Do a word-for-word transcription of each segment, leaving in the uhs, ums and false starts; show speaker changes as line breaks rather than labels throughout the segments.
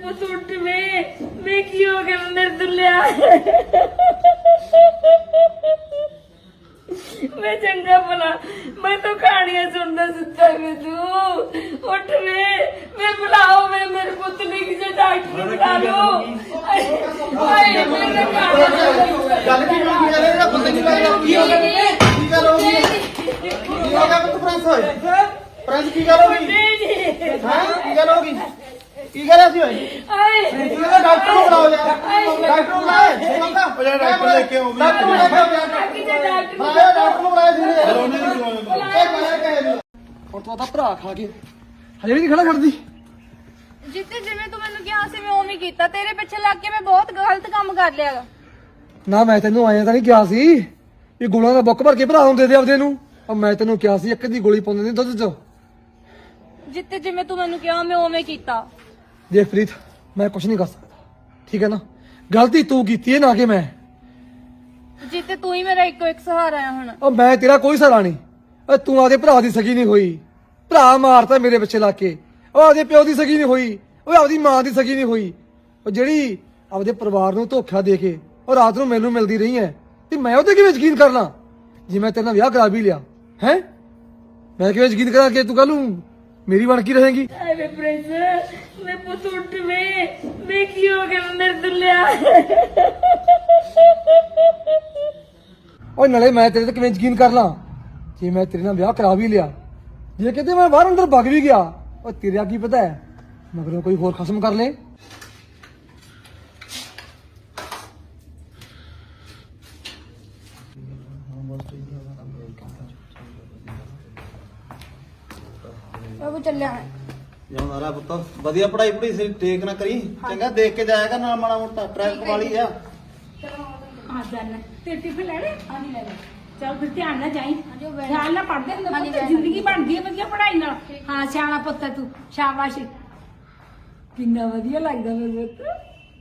पुत उठ में मैं की हो गया मेरे दुल्हा मैं चंगा भला मैं तो कहानियां सुनता सुनता में तू उठ में मैं बुलाओ मैं मेरे पुतली की से डॉक्टर बुला लो ओए मेरे
गल की होगी गल ਇਹਦਾ ਬੰਦੇ ਦੀ ਗੱਲ ਕੀ ਹੋ ਗਿਆ ਕੀ ਗੱਲ ਹੋ ਗਈ ਕੀ ਹੋ ਗਿਆ ਪੁੱਤ ਪ੍ਰਿੰਸ ਹੋਏ ਪ੍ਰਿੰਸ ਕੀ ਗੱਲ ਹੋ ਗਈ ਹਾਂ ਕੀ ਗੱਲ ਹੋ ਗਈ ਕੀ ਗੱਲ ਸੀ ਹੋਈ
आए
ਇਹਦਾ ਡਾਕਟਰ ਨੂੰ ਬੁਲਾਓ ਯਾਰ ਡਾਕਟਰ ਨੂੰ ਬੁਲਾਓ ਮੰਗਾ
ਉਹ ਡਾਕਟਰ ਲੈ ਕੇ ਆਓ ਵੀ
ਡਾਕਟਰ ਨੂੰ ਲੈ ਕੇ ਆਓ
बाकी जो डॉक्टर
ਹਾਂ ਡਾਕਟਰ ਨੂੰ ਬੁਲਾਇਆ ਸੀ
ਉਹਨੇ ਵੀ ਬੁਲਾਇਆ
ਇਹ ਬੁਲਾਇਆ ਕਹੇ ਨਹੀਂ ਹੁਣ ਤੂੰ ਤਾਂ ਭਰਾ ਖਾ ਕੇ ਹਜੇ ਵੀ ਨਹੀਂ ਖੜਾ ਖੜਦੀ
ਜਿੱਤੇ ਜਿਵੇਂ ਤੂੰ ਮੈਨੂੰ ਕਿਹਾ ਸੀ ਮੈਂ ਉਵੇਂ ਹੀ ਕੀਤਾ ਤੇਰੇ ਪਿੱਛੇ ਲੱਗ ਕੇ ਮੈਂ ਬਹੁਤ ਗਲਤ ਕੰਮ ਕਰ ਲਿਆ
ਨਾ ਮੈਂ ਤੈਨੂੰ ਆਇਆ ਤਾਂ ਨਹੀਂ ਕਿਹਾ ਸੀ ਇਹ ਗੋਲਾਂ ਦਾ ਬੁੱਕ ਭਰ ਕੇ ਭਰਾ ਨੂੰ ਦੇ ਦੇ ਆਪਦੇ ਨੂੰ ਉਹ ਮੈਂ ਤੈਨੂੰ ਕਿਹਾ ਸੀ ਇੱਕ ਦੀ ਗੋਲੀ ਪਾਉਂਦੇ ਨੇ ਦੁੱਧ 'ਚ
ਜਿੱਤੇ ਜਿਵੇਂ ਤੂੰ ਮੈਨੂੰ ਕਿਹਾ ਮੈਂ ਉਵੇਂ ਕੀਤਾ
ਦੇਖ ਪ੍ਰੀਤ ਮੈਂ ਕੁਝ ਨਹੀਂ ਕਰ ਸਕਦਾ ਠੀਕ ਹੈ ਨਾ ਗਲਤੀ ਤੂੰ ਕੀਤੀ ਹੈ ਨਾ ਕਿ ਮੈਂ
ਜਿੱਤੇ ਤੂੰ ਹੀ ਮੇਰਾ ਇੱਕੋ ਇੱਕ ਸਹਾਰਾ ਹੈ ਹੁਣ
ਉਹ ਮੈਂ ਤੇਰਾ ਕੋਈ ਸਹਾਰਾ ਨਹੀਂ ਓਏ ਤੂੰ ਆਦੇ ਭਰਾ ਦੀ ਸਗੀ ਨਹੀਂ ਹੋਈ ਭਰਾ ਮਾਰਤਾ ਮੇਰੇ ਪਿੱਛੇ ਲਾ ਕੇ ਉਹ ਆਦੇ ਪਿਓ ਦੀ ਸਗੀ ਨਹੀਂ ਹੋਈ ਉਹ ਆਪਦੀ ਮਾਂ ਦੀ ਸਗੀ ਨਹੀਂ ਹੋਈ ਉਹ ਜਿਹੜੀ ਆਪਦੇ ਪਰਿਵਾਰ ਨੂੰ ਧੋਖਾ ਦੇ ਕੇ ਉਹ ਰਾਤ ਨੂੰ ਮੈਨੂੰ ਮਿਲਦੀ ਰਹੀ ਹੈ ਤੇ ਮੈਂ ਉਹਦੇ ਕਿਵੇਂ ਯਕੀਨ ਕਰ ਲਾਂ ਜੇ ਮੈਂ ਤੇਰੇ ਨਾਲ ਵਿਆਹ ਕਰਾ ਵੀ ਲਿਆ ਹੈ ਮੈਂ ਕਿਵੇਂ ਯਕੀਨ ਕਰਾਂ ਕਿ ਤੂੰ ਕੱਲ ਨੂੰ ਮੇਰੀ ਬਣ ਕੇ ਰਹੇਗੀ
अरे प्रिंस मैं पुत उठ में मैं की हो गया मेरे दुल्हा
ਓਏ ਨਾਲੇ ਮੈਂ ਤੇਰੇ ਤੇ ਕਿਵੇਂ ਯਕੀਨ ਕਰ ਲਾਂ ਜੇ ਮੈਂ ਤੇਰੇ ਨਾਲ ਵਿਆਹ ਕਰਾ ਵੀ ਲਿਆ ਜੇ ਕਿਤੇ ਮੈਂ ਬਾਹਰ ਅੰਦਰ ਭੱਗ ਵੀ ਗਿਆ ਉਹ ਤੇਰਾ ਕੀ ਪਤਾ ਹੈ ਮਗਰੋਂ ਕੋਈ ਹੋਰ ਖਸਮ ਕਰ ਲੇ
ਉਹ ਚੱਲਿਆ
ਯਾਰ ਨਾਰਾ ਪੁੱਤ ਵਧੀਆ ਪੜਾਈ ਪੜੀ ਸੀ ਟੇਕ ਨਾ ਕਰੀ ਚੰਗਾ ਦੇਖ ਕੇ ਜਾਇਆ ਕਰ ਨਾਲ ਮਾੜਾ ਮੋਟਾ ਟ੍ਰੈਫਿਕ ਵਾਲੀ ਆ
आ जाना तेरे टिफिन लेने हाँ नहीं लेने चल फिर ध्यान ना जाई
जो बहन-
ख्याल ना पढ़ते
हाँ जी, बहन।
जिंदगी बनती है वधिया पढ़ाई नाल हाँ सियाना पुੱਤ तू शाबाश किन्ना वधिया लगदा मेरे पुੱਤ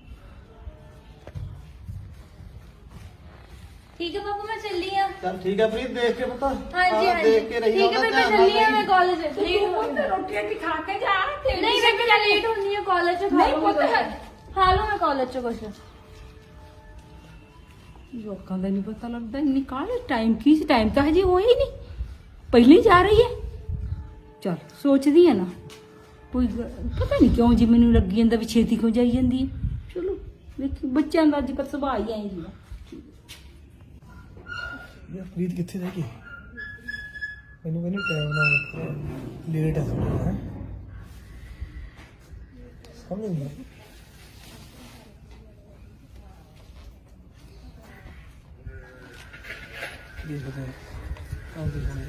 ਠੀਕ ਹੈ ਬਾਬੂ ਮੈਂ ਚੱਲੀ ਆ
ਚੱਲ ਠੀਕ ਹੈ ਪ੍ਰੀਤ ਦੇਖ ਕੇ ਪੁੱਤ
ਹਾਂਜੀ
ਹਾਂ,
ਹਾਂਜੀ
ਦੇਖ ਕੇ ਰਹੀ
ਠੀਕ ਹੈ
ਉਹਦਾ
ਫਿਰ ਮੈਂ
ਧਿਆਨ ਨਾਲ
ਚੱਲੀ ਆ ਮੈਂ
ਰਹੀ।
ਕਾਲਜ
तू पुੱਤ रोटी रोटी खा के जा तेरी
ਨਹੀਂ ਮੈਂ ਕਿਹਾ ਲੇਟ ਹੁੰਦੀ ਆ ਕਾਲਜ ਚ
ਨਹੀਂ ਪੁੱਤ
ਖਾ ਲਓ ਮੈਂ ਕਾਲਜ ਚ ਕੁਛ
ਲੋਕਾਂ ਦਾ ਨਹੀਂ ਪਤਾ ਲੱਗਦਾ ਇੰਨੀ ਕਾਹਲੇ ਟਾਈਮ ਕੀ ਸੀ ਟਾਈਮ ਤਾਂ ਹਜੇ ਹੋਇਆ ਹੀ ਨਹੀਂ ਪਹਿਲੇ ਹੀ ਜਾ ਰਹੀ ਹੈ ਚਲ ਸੋਚਦੀ ਹੈ ਨਾ ਕੋਈ ਗ- ਪਤਾ ਨਹੀਂ ਕਿਉਂ ਜੀ ਮੈਨੂੰ ਲੱਗੀ ਜਾਂਦਾ ਵੀ ਛੇਤੀ ਕਿਉਂ ਜਾਈ ਜਾਂਦੀ ਹੈ ਚਲੋ ਵੇਖੀ ਬੱਚਿਆਂ ਦਾ ਅੱਜ ਕੱਲ੍ਹ ਸੁਭਾਅ ਹੀ ਆਈ ਹੁੰਦਾ
ਯਾਰ ਪ੍ਰੀਤ ਕਿੱਥੇ ਰਹਿ ਗਈ ਮੈਨੂੰ ਕਹਿੰਦੀ ਟਾਈਮ ਨਾਲ ਲੇਟ ਹੈ ਥੋੜਾ ਹੈ ਸਮਝ ਨਹੀਂ ਆਈ। ਦੇਖਦੇ ਹਾਂ ਆਉਂਦੇ ਹੋਣੇ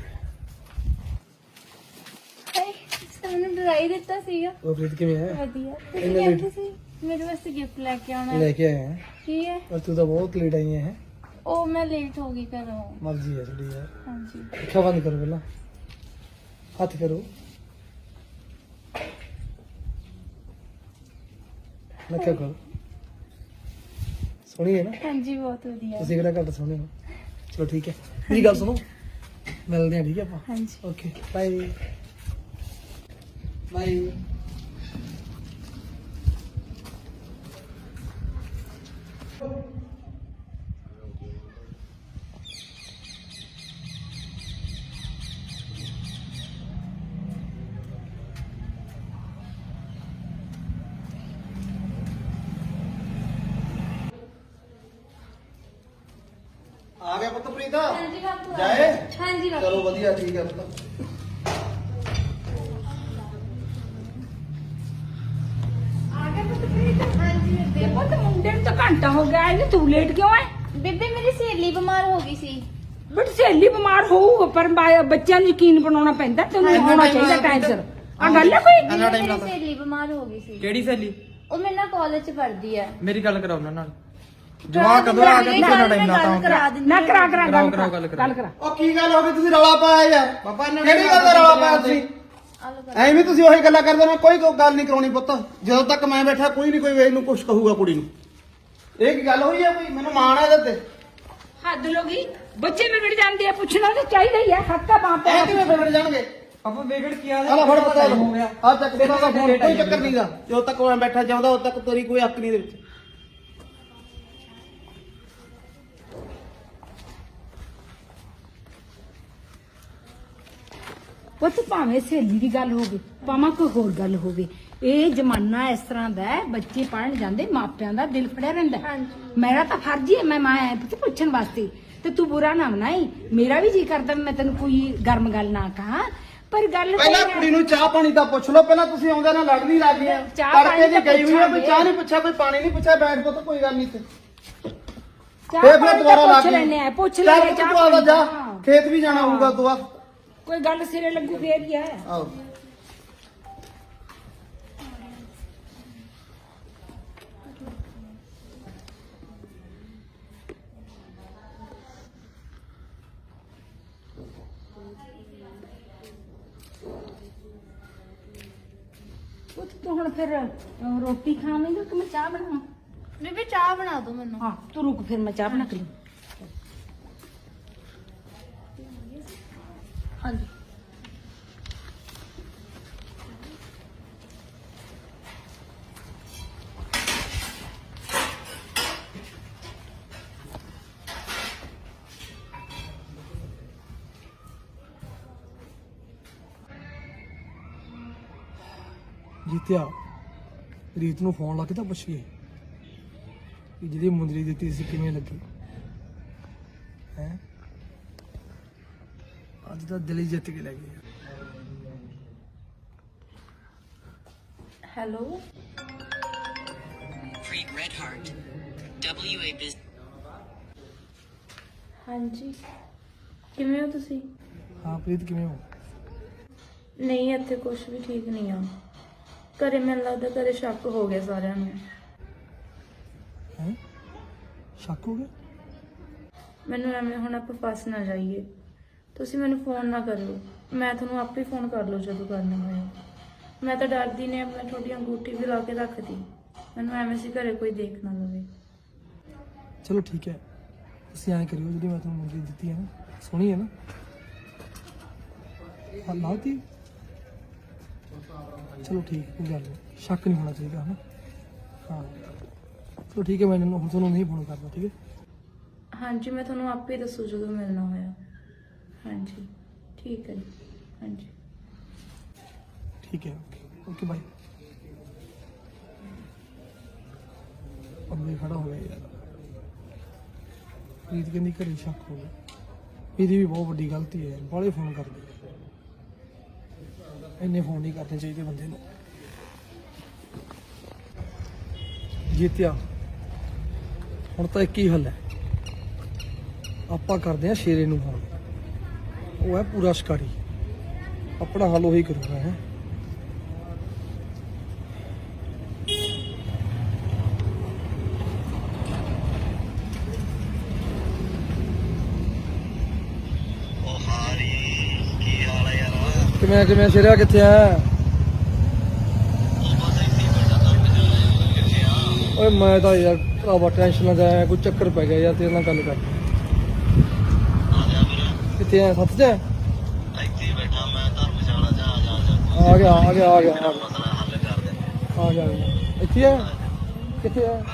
ਹਾਏ ਸਾਨੂੰ ਡਰਾਈ ਦਿੱਤਾ ਸੀਗਾ
ਉਹ ਪ੍ਰੀਤ ਕਿਵੇਂ ਹੈ
ਵਧੀਆ
ਇੰਨੇ
ਤੁਸੀਂ
late?
ਕਹਿੰਦੇ ਸੀ ਮੇਰੇ ਵਾਸਤੇ ਗਿਫਟ ਲੈ ਕੇ ਆਉਣਾ
ਲੈ
ਹੈ
ਕੇ ਆਏ ਹੈ
ਕੀ ਹੈ
ਪਰ ਤੂੰ ਤਾਂ ਬਹੁਤ ਲੇਟ ਆਈ ਹੈ
ਉਹ ਮੈਂ ਲੇਟ ਹੋ ਗਈ ਘਰੋਂ
ਮਰਜ਼ੀ ਹੈ ਤੁਹਾਡੀ ਯਾਰ
ਹਾਂਜੀ
ਅੱਖਾਂ ਬੰਦ ਕਰੋ ਪਹਿਲਾਂ ਹੱਥ ਕਰੋ ਨੱਕਾ ਕਰੋ ਸੋਹਣੀ ਹੈ ਨਾ
ਹਾਂਜੀ ਬਹੁਤ ਵਧੀਆ
ਤੁਸੀਂ ਕਿਹੜਾ ਘੱਟ ਸੋਹਣੇ ਹੋ ਚਲੋ ਠੀਕ ਹੈ ਮੇਰੀ ਗੱਲ ਸੁਣੋ ਮਿਲਦੇ ਹਾਂ ਠੀਕ ਹੈ ਆਪਾਂ
ਹਾਂਜੀ
ਓਕੇ ਬਾਏ ਬਾਏ
ਆ ਗਿਆ ਪੁੱਤ ਪ੍ਰੀਤ
ਹਾਂਜੀ ਬਾਪੂ
ਜਾਏ
ਹਾਂਜੀ ਬਾਪੂ
ਚਲੋ ਵਧੀਆ ਠੀਕ ਹੈ ਪੁੱਤ
ਆ ਗਿਆ ਪੁੱਤ ਪ੍ਰੀਤ
ਹਾਂਜੀ
ਤੇ
ਬੇਬੇ
ਪੁੱਤ ਮੁੰਡੇ ਨੂੰ ਤਾਂ ਘੰਟਾ ਹੋ ਗਿਆ ਇਹਨੇ ਤੂੰ ਲੇਟ ਕਿਉਂ ਹੈ
ਬੇਬੇ ਮੇਰੀ ਸਹੇਲੀ ਬਿਮਾਰ ਹੋ ਗਈ ਸੀ
ਬਟ ਸਹੇਲੀ ਬਿਮਾਰ ਹੋਊਗਾ ਪਰ ਬਾ- ਬੱਚਿਆਂ ਨੂੰ ਯਕੀਨ ਬਣਾਉਣਾ ਪੈਂਦਾ ਤੈਨੂੰ
ਇੰਨਾ
ਹੋਣਾ
time
ਚਾਹੀਦਾ
ਲੱਗਦਾ
ਟਾਈਮ ਸਿਰ ਆ ਗੱਲ ਹੈ ਕੋਈ
ਇੰਨਾ ਟਾਈਮ
ਮੇਰੀ
ਲੱਗਦਾ
ਸਹੇਲੀ ਬਿਮਾਰ ਹੋ ਗਈ ਸੀ
ਕਿਹੜੀ ਸਹੇਲੀ
ਉਹ ਮੇਰੇ ਨਾਲ ਕਾਲਜ ਚ ਪੜ੍ਹਦੀ ਹੈ
ਮੇਰੀ ਗੱਲ ਕਰਾਓ ਉਹਨਾਂ ਨਾਲ
ਜਵਾਕ ਕਦੋਂ ਆ ਗਿਆ
ਕਿੰਨਾ
ਕਿੰਨਾ ਟਾਈਮ ਲਾਤਾ
ਕਰਾ ਦਿੰਦੀ
ਨਾ ਕਰਾ ਕਰਾ
ਕਰਾਓ,
ਗੱਲ
ਕਰਾਓ,
ਕਰਾ
ਗੱਲ ਕਰਾਓ।
ਗੱਲ ਕਰਾ
ਉਹ ਕੀ ਗੱਲ ਹੋ ਗਈ ਤੁਸੀਂ ਰੌਲਾ ਪਾਇਆ ਯਾਰ
ਬਾਬਾ ਇਹਨਾਂ
ਕਿਹੜੀ ਗੱਲ ਦਾ ਰੌਲਾ ਪਾਇਆ ਤੁਸੀਂ
ਆਲੋ ਕਰ
ਐਵੇਂ ਤੁਸੀਂ ਉਹੀ ਗੱਲਾਂ ਕਰਦੇ ਹੋ ਕੋਈ ਗੱਲ ਨਹੀਂ ਕਰਾਉਣੀ ਪੁੱਤ ਜਦੋਂ ਤੱਕ ਮੈਂ ਬੈਠਾ ਕੋਈ ਨਹੀਂ ਕੋਈ ਵੇਖ ਨੂੰ ਕੁਝ ਕਹੂਗਾ ਕੁੜੀ ਨੂੰ ਇਹ ਕੀ ਗੱਲ ਹੋਈ ਆ ਕੋਈ ਮੈਨੂੰ ਮਾਣ ਹੈ ਇਹਦੇ ਤੇ
ਹੱਦ ਲੋਗੀ ਬੱਚੇ ਵਿਗੜ ਜਾਂਦੇ ਆ ਪੁੱਛਣਾ ਤਾਂ ਚਾਹੀਦਾ ਹੀ ਆ ਹੱਕਾ ਬਾਪ
ਐ ਕਿਵੇਂ ਵਿਗੜ ਜਾਣਗੇ ਆਪਾਂ ਵਿਗੜ ਕੀ ਆ
ਆ ਲੈ ਫੜ ਪਤਾ
ਹੋ ਗਿਆ
ਆ ਚੱਕ ਦੇ ਦਾ ਫੋਨ ਕੋਈ ਚੱਕਰ ਨਹੀਂਗਾ ਜਦੋਂ ਤੱਕ ਮੈਂ ਬੈਠਾ ਜਾਉਂਦਾ ਉਦੋਂ ਤੱਕ ਤੇਰੀ ਕੋਈ ਹੱਕ ਨਹੀਂ ਦੇ ਵਿੱਚ
ਪੁੱਤ ਭਾਵੇਂ ਸਹੇਲੀ ਦੀ ਗੱਲ ਹੋਵੇ ਭਾਵੇਂ ਕੋਈ ਹੋਰ ਗੱਲ ਹੋਵੇ ਇਹ ਜ਼ਮਾਨਾ ਇਸ ਤਰ੍ਹਾਂ ਦਾ ਹੈ, ਬੱਚੇ ਪੜਨ ਜਾਂਦੇ ਮਾਪਿਆਂ ਦਾ ਦਿਲ ਫੜਿਆ ਰਹਿੰਦਾ ਹੈ। ਮੇਰਾ ਤਾਂ ਫਰਜ਼ ਹੀ ਹੈ ਮੈਂ ਮਾਂ ਐ ਪੁੱਤ ਪੁੱਛਣ ਵਾਸਤੇ ਤੇ ਤੂੰ ਬੁਰਾ ਨਾ ਮਨਾਈ। ਮੇਰਾ ਵੀ ਜੀ ਕਰਦਾ ਮੈਂ ਤੈਨੂੰ ਕੋਈ ਗਰਮ ਗੱਲ ਨਾ ਕਹਾਂ ਪਰ ਗੱਲ
ਪਹਿਲਾਂ
ਕੋਈ ਨਾ-
ਕੁੜੀ ਨੂੰ ਚਾਹ ਪਾਣੀ ਦਾ ਪੁੱਛ ਲਓ ਪਹਿਲਾਂ ਤੁਸੀਂ ਆਉਂਦੇ ਨਾ ਲੜ ਨਹੀਂ ਲੱਗ ਗਏ
ਚਾਹ
ਤੜਕੇ
ਪਾਣੀ
ਦੀ
ਤਾਂ
ਗਈ ਹੋਈ ਆ ਕੋਈ
ਪੁੱਛਾਂਗੇ।
ਚਾਹ ਨਹੀਂ ਪੁੱਛਿਆ ਕੋਈ ਪਾਣੀ ਨਹੀਂ ਪੁੱਛਿਆ ਬੈਠ ਪੋ ਤਾਂ ਕੋਈ ਗੱਲ ਨਹੀਂ ਤੇ
ਚਾਹ
ਫੇਰ
ਪਾਣੀ
ਫਿਰ ਦੁਬਾਰਾ
ਤਾਂ
ਲੱਗ
ਪੁੱਛ
ਗਈ
ਲੈਨੇ ਆ ਪੁੱਛ
ਚੱਲ
ਲੈ
ਤੂੰ ਤੂੰ ਆਵਾ ਜਾ ਖੇਤ ਵੀ ਜਾਣਾ ਹੋਊਗਾ ਤੂੰ ਆ
ਕੋਈ ਗੱਲ ਸਿਰੇ ਲੱਗੂ ਫੇਰ ਹੀ ਹੈ।
ਆਓ
ਪੁੱਤ ਤੂੰ ਹੁਣ ਫਿਰ ਅਹ, ਰੋਟੀ ਖਾਵੇਂਗਾ ਕਿ ਮੈਂ ਚਾਹ ਬਣਾਵਾਂ?
ਬੀਬੀ ਚਾਹ ਬਣਾ ਦੋ ਮੈਨੂੰ।
ਹਾਂ ਤੂੰ ਰੁਕ ਫਿਰ ਮੈਂ ਚਾਹ ਬਣਾ ਕੇ ਲਿਆਵਾਂ। ਹਾਂਜੀ
ਜੀਤਿਆ ਰੀਤ ਨੂੰ ਫੋਨ ਲਾ ਕੇ ਤਾਂ ਪੁੱਛੀਏ ਕਿ ਜਿਹੜੀ ਮੁੰਦਰੀ ਦਿੱਤੀ ਸੀ ਕਿਵੇਂ ਲੱਗੀ ਹੈ ਅੱਜ ਤਾਂ ਦਿਲ ਹੀ ਜਿੱਤ ਕੇ ਲੈ ਗਈ
hello
Preet Redheart, W A Business.
ਹਾਂਜੀ ਕਿਵੇਂ ਹੋ ਤੁਸੀਂ?
ਹਾਂ ਪ੍ਰੀਤ ਕਿਵੇਂ ਹੋ
ਨਹੀਂ ਇੱਥੇ ਕੁਝ ਵੀ ਠੀਕ ਨਹੀਂ ਆ। ਘਰੇ ਮੈਨੂੰ ਲੱਗਦਾ ਘਰੇ ਸ਼ੱਕ ਹੋ ਗਿਆ ਸਾਰਿਆਂ ਨੂੰ।
ਹੈ ਸ਼ੱਕ ਹੋ ਗਿਆ
ਮੈਨੂੰ ਐਵੇਂ ਹੁਣ ਆਪਾਂ ਫਸ ਨਾ ਜਾਈਏ। ਤੁਸੀਂ ਮੈਨੂੰ ਫੋਨ ਨਾ ਕਰਿਓ, ਮੈਂ ਤੁਹਾਨੂੰ ਆਪੇ ਫੋਨ ਕਰ ਲਓ ਜਦੋਂ ਕਰਨਾ ਹੋਇਆ। ਮੈਂ ਤਾਂ ਡਰਦੀ ਨੇ ਆਪਣੀ ਤੁਹਾਡੀ ਅੰਗੂਠੀ ਵੀ ਲਾ ਕੇ ਰੱਖਦੀ। ਮੈਨੂੰ ਐਵੇਂ ਸੀ ਘਰੇ ਕੋਈ ਦੇਖ ਨਾ ਲਵੇ।
ਚਲੋ ਠੀਕ ਹੈ ਤੁਸੀਂ ਐਂ ਕਰਿਓ ਜਿਹੜੀ ਮੈਂ ਤੁਹਾਨੂੰ ਮੁੰਦਰੀ ਦਿੱਤੀ ਹੈ ਨਾ ਸੋਹਣੀ ਹੈ ਨਾ ਹਾਂ ਲਾਤੀ ਚਲੋ ਠੀਕ ਕੋਈ ਗੱਲ ਨਹੀਂ ਸ਼ੱਕ ਨਹੀਂ ਹੋਣਾ ਚਾਹੀਦਾ ਹੈ ਨਾ ਹਾਂ ਚਲੋ ਠੀਕ ਹੈ ਮੈਂ ਇਹਨੂੰ ਹੁਣ ਤੁਹਾਨੂੰ ਨਹੀਂ ਫੋਨ ਕਰਦਾ ਠੀਕ ਹੈ
ਹਾਂਜੀ ਮੈਂ ਤੁਹਾਨੂੰ ਆਪੇ ਦੱਸੂ ਜਦੋਂ ਮਿਲਣਾ ਹੋਇਆ। ਹਾਂਜੀ ਠੀਕ ਹੈ ਜੀ। ਹਾਂਜੀ
ਠੀਕ ਹੈ ਓਕੇ ਬਾਈ ਅੱਗੇ ਖੜਾ ਹੋ ਗਿਆ ਯਾਰ ਪ੍ਰੀਤ ਕਹਿੰਦੀ ਘਰੇ ਸ਼ੱਕ ਹੋ ਗਿਆ ਇਹਦੀ ਵੀ ਬਹੁਤ ਵੱਡੀ ਗਲਤੀ ਹੈ ਬਾਹਲੇ ਫੋਨ ਕਰਦੇ ਇੰਨੇ ਫੋਨ ਨਹੀਂ ਕਰਨੇ ਚਾਹੀਦੇ ਬੰਦੇ ਨੂੰ ਜੀਤਿਆ ਹੁਣ ਤਾਂ ਇੱਕ ਹੀ ਹੱਲ ਹੈ ਆਪਾਂ ਕਰਦੇ ਹਾਂ ਸ਼ੇਰੇ ਨੂੰ ਫੋਨ ਉਹ ਹੈ ਪੂਰਾ ਸ਼ਿਕਾਰੀ ਆਪਣਾ ਹੱਲ ਉਹੀ ਕਰੂਗਾ ਹੈ ਕਿਵੇਂ ਕਿਵੇਂ ਸ਼ੇਰਿਆ ਕਿੱਥੇ ਆ ਓਏ ਮੈਂ ਤਾਂ ਯਾਰ ਭਰਾਵਾ ਟੈਨਸ਼ਨ ਨਾ ਜਾਇਆ ਕੋਈ ਚੱਕਰ ਪੈ ਗਿਆ ਯਾਰ ਤੇਰੇ ਨਾਲ ਗੱਲ ਕਰ ਕਿੱਥੇ ਆ ਸੱਤ ਚ ਆ ਆ ਗਿਆ ਆ ਗਿਆ ਆ ਗਿਆ ਆ ਗਿਆ ਆ ਗਿਆ ਇੱਥੇ ਆ ਕਿੱਥੇ ਆ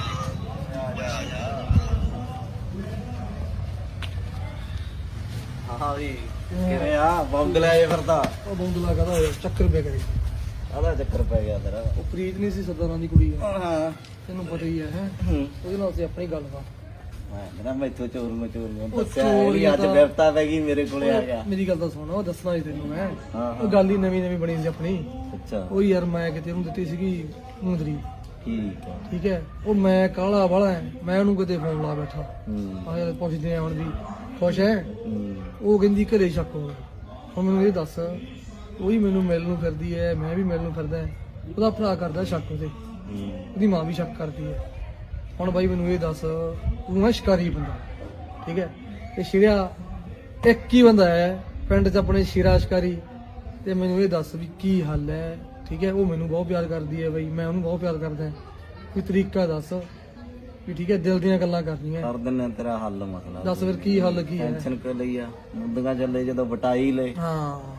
ਹਾਂ ਵੀ ਕਿਵੇਂ ਆ ਬੰਦ ਲੈ ਜੇ ਫਿਰਦਾ
ਉਹ ਬੰਦਲਾ ਕਹਦਾ ਹੋਇਆ ਚੱਕਰ ਪੈ ਗਿਆ
ਆਦਾ ਚੱਕਰ ਪੈ ਗਿਆ ਤੇਰਾ
ਉਹ ਪ੍ਰੀਤ ਨਹੀਂ ਸੀ ਸਰਦਾਰਾਂ ਦੀ ਕੁੜੀ ਆ
ਹਾਂ
ਤੈਨੂੰ ਪਤਾ ਹੀ ਹੈ ਹੈ
ਹੂੰ
ਉਹਦੇ ਨਾਲ ਸੀ ਆਪਣੀ ਗੱਲ ਵਾ
ਮੈਂ ਮੇਰਾ ਮੈਥੋਂ ਚੋਰ ਨੂੰ ਚੋਰ ਨੂੰ
ਉਹ
ਦੱਸਿਆ
ਚੋਰ
ਵੀ ਅੱਜ
ਤਾਂ-
ਵਿਵਤਾ ਪੈ ਗਈ ਮੇਰੇ ਕੋਲੇ ਆ ਗਿਆ
ਮੇਰੀ ਗੱਲ ਤਾਂ ਸੁਣ ਉਹ ਦੱਸਣਾ ਹੀ ਤੈਨੂੰ ਮੈਂ
ਹਾਂ,
ਉਹ ਗੱਲ ਹੀ ਨਵੀਂ ਨਵੀਂ ਬਣੀ ਸੀ ਆਪਣੀ
ਅੱਛਾ
ਉਹ ਯਾਰ ਮੈਂ ਕਿਤੇ ਉਹਨੂੰ ਦਿੱਤੀ ਸੀਗੀ ਮੁੰਦਰੀ
ਠੀਕ ਆ
ਠੀਕ ਹੈ ਉਹ ਮੈਂ ਕਾਲਾ ਵਾਲਾ ਮੈਂ ਉਹਨੂੰ ਕਿਤੇ ਫੋਨ ਲਾ ਬੈਠਾ
ਹੂੰ
ਆ ਯਾਰ ਪੁੱਛਦੇ ਆ ਹੁਣ ਵੀ ਖੁਸ਼ ਹੈ
ਹੂੰ
ਉਹ ਕਹਿੰਦੀ ਘਰੇ ਸ਼ੱਕ ਹੋ ਗਿਆ ਹੁਣ ਮੈਨੂੰ ਇਹ ਦੱਸ ਉਹੀ ਮੈਨੂੰ ਮਿਲਣ ਨੂੰ ਫਿਰਦੀ ਹੈ ਮੈਂ ਵੀ ਮਿਲਣ ਨੂੰ ਫਿਰਦਾ ਉਹਦਾ ਭਰਾ ਕਰਦਾ ਸ਼ੱਕ ਉਹਦੇ
ਹੂੰ
ਉਹਦੀ ਮਾਂ ਵੀ ਸ਼ੱਕ ਕਰਦੀ ਹੈ ਹੁਣ ਬਾਈ ਮੈਨੂੰ ਇਹ ਦੱਸ ਤੂੰ ਹੈ ਸ਼ਿਕਾਰੀ ਬੰਦਾ ਠੀਕ ਹੈ ਤੇ ਸ਼ਿਰਿਆ ਇੱਕ ਹੀ ਬੰਦਾ ਹੈ ਪਿੰਡ 'ਚ ਆਪਣੇ ਸ਼ਿਰਾ ਸ਼ਿਕਾਰੀ ਤੇ ਮੈਨੂੰ ਇਹ ਦੱਸ ਵੀ ਕੀ ਹੱਲ ਹੈ ਠੀਕ ਹੈ ਉਹ ਮੈਨੂੰ ਬਹੁਤ ਪਿਆਰ ਕਰਦੀ ਹੈ ਬਈ ਮੈਂ ਉਹਨੂੰ ਬਹੁਤ ਪਿਆਰ ਕਰਦਾ ਕੋਈ ਤਰੀਕਾ ਦੱਸ ਵੀ ਠੀਕ ਹੈ ਦਿਲ ਦੀਆਂ ਗੱਲਾਂ ਕਰਨੀਆਂ
ਕਰ ਦਿੰਨੇ ਤੇਰਾ ਹੱਲ ਮਸਲਾ
ਦੱਸ ਫਿਰ ਕੀ ਹੱਲ ਕੀ ਹੈ
ਟੈਨਸ਼ਨ ਕਰ ਲਈ ਆ ਮੁੰਦਗਾ ਚੱਲੇ ਜਦੋਂ ਵਟਾਈ ਲੈ
ਹਾਂ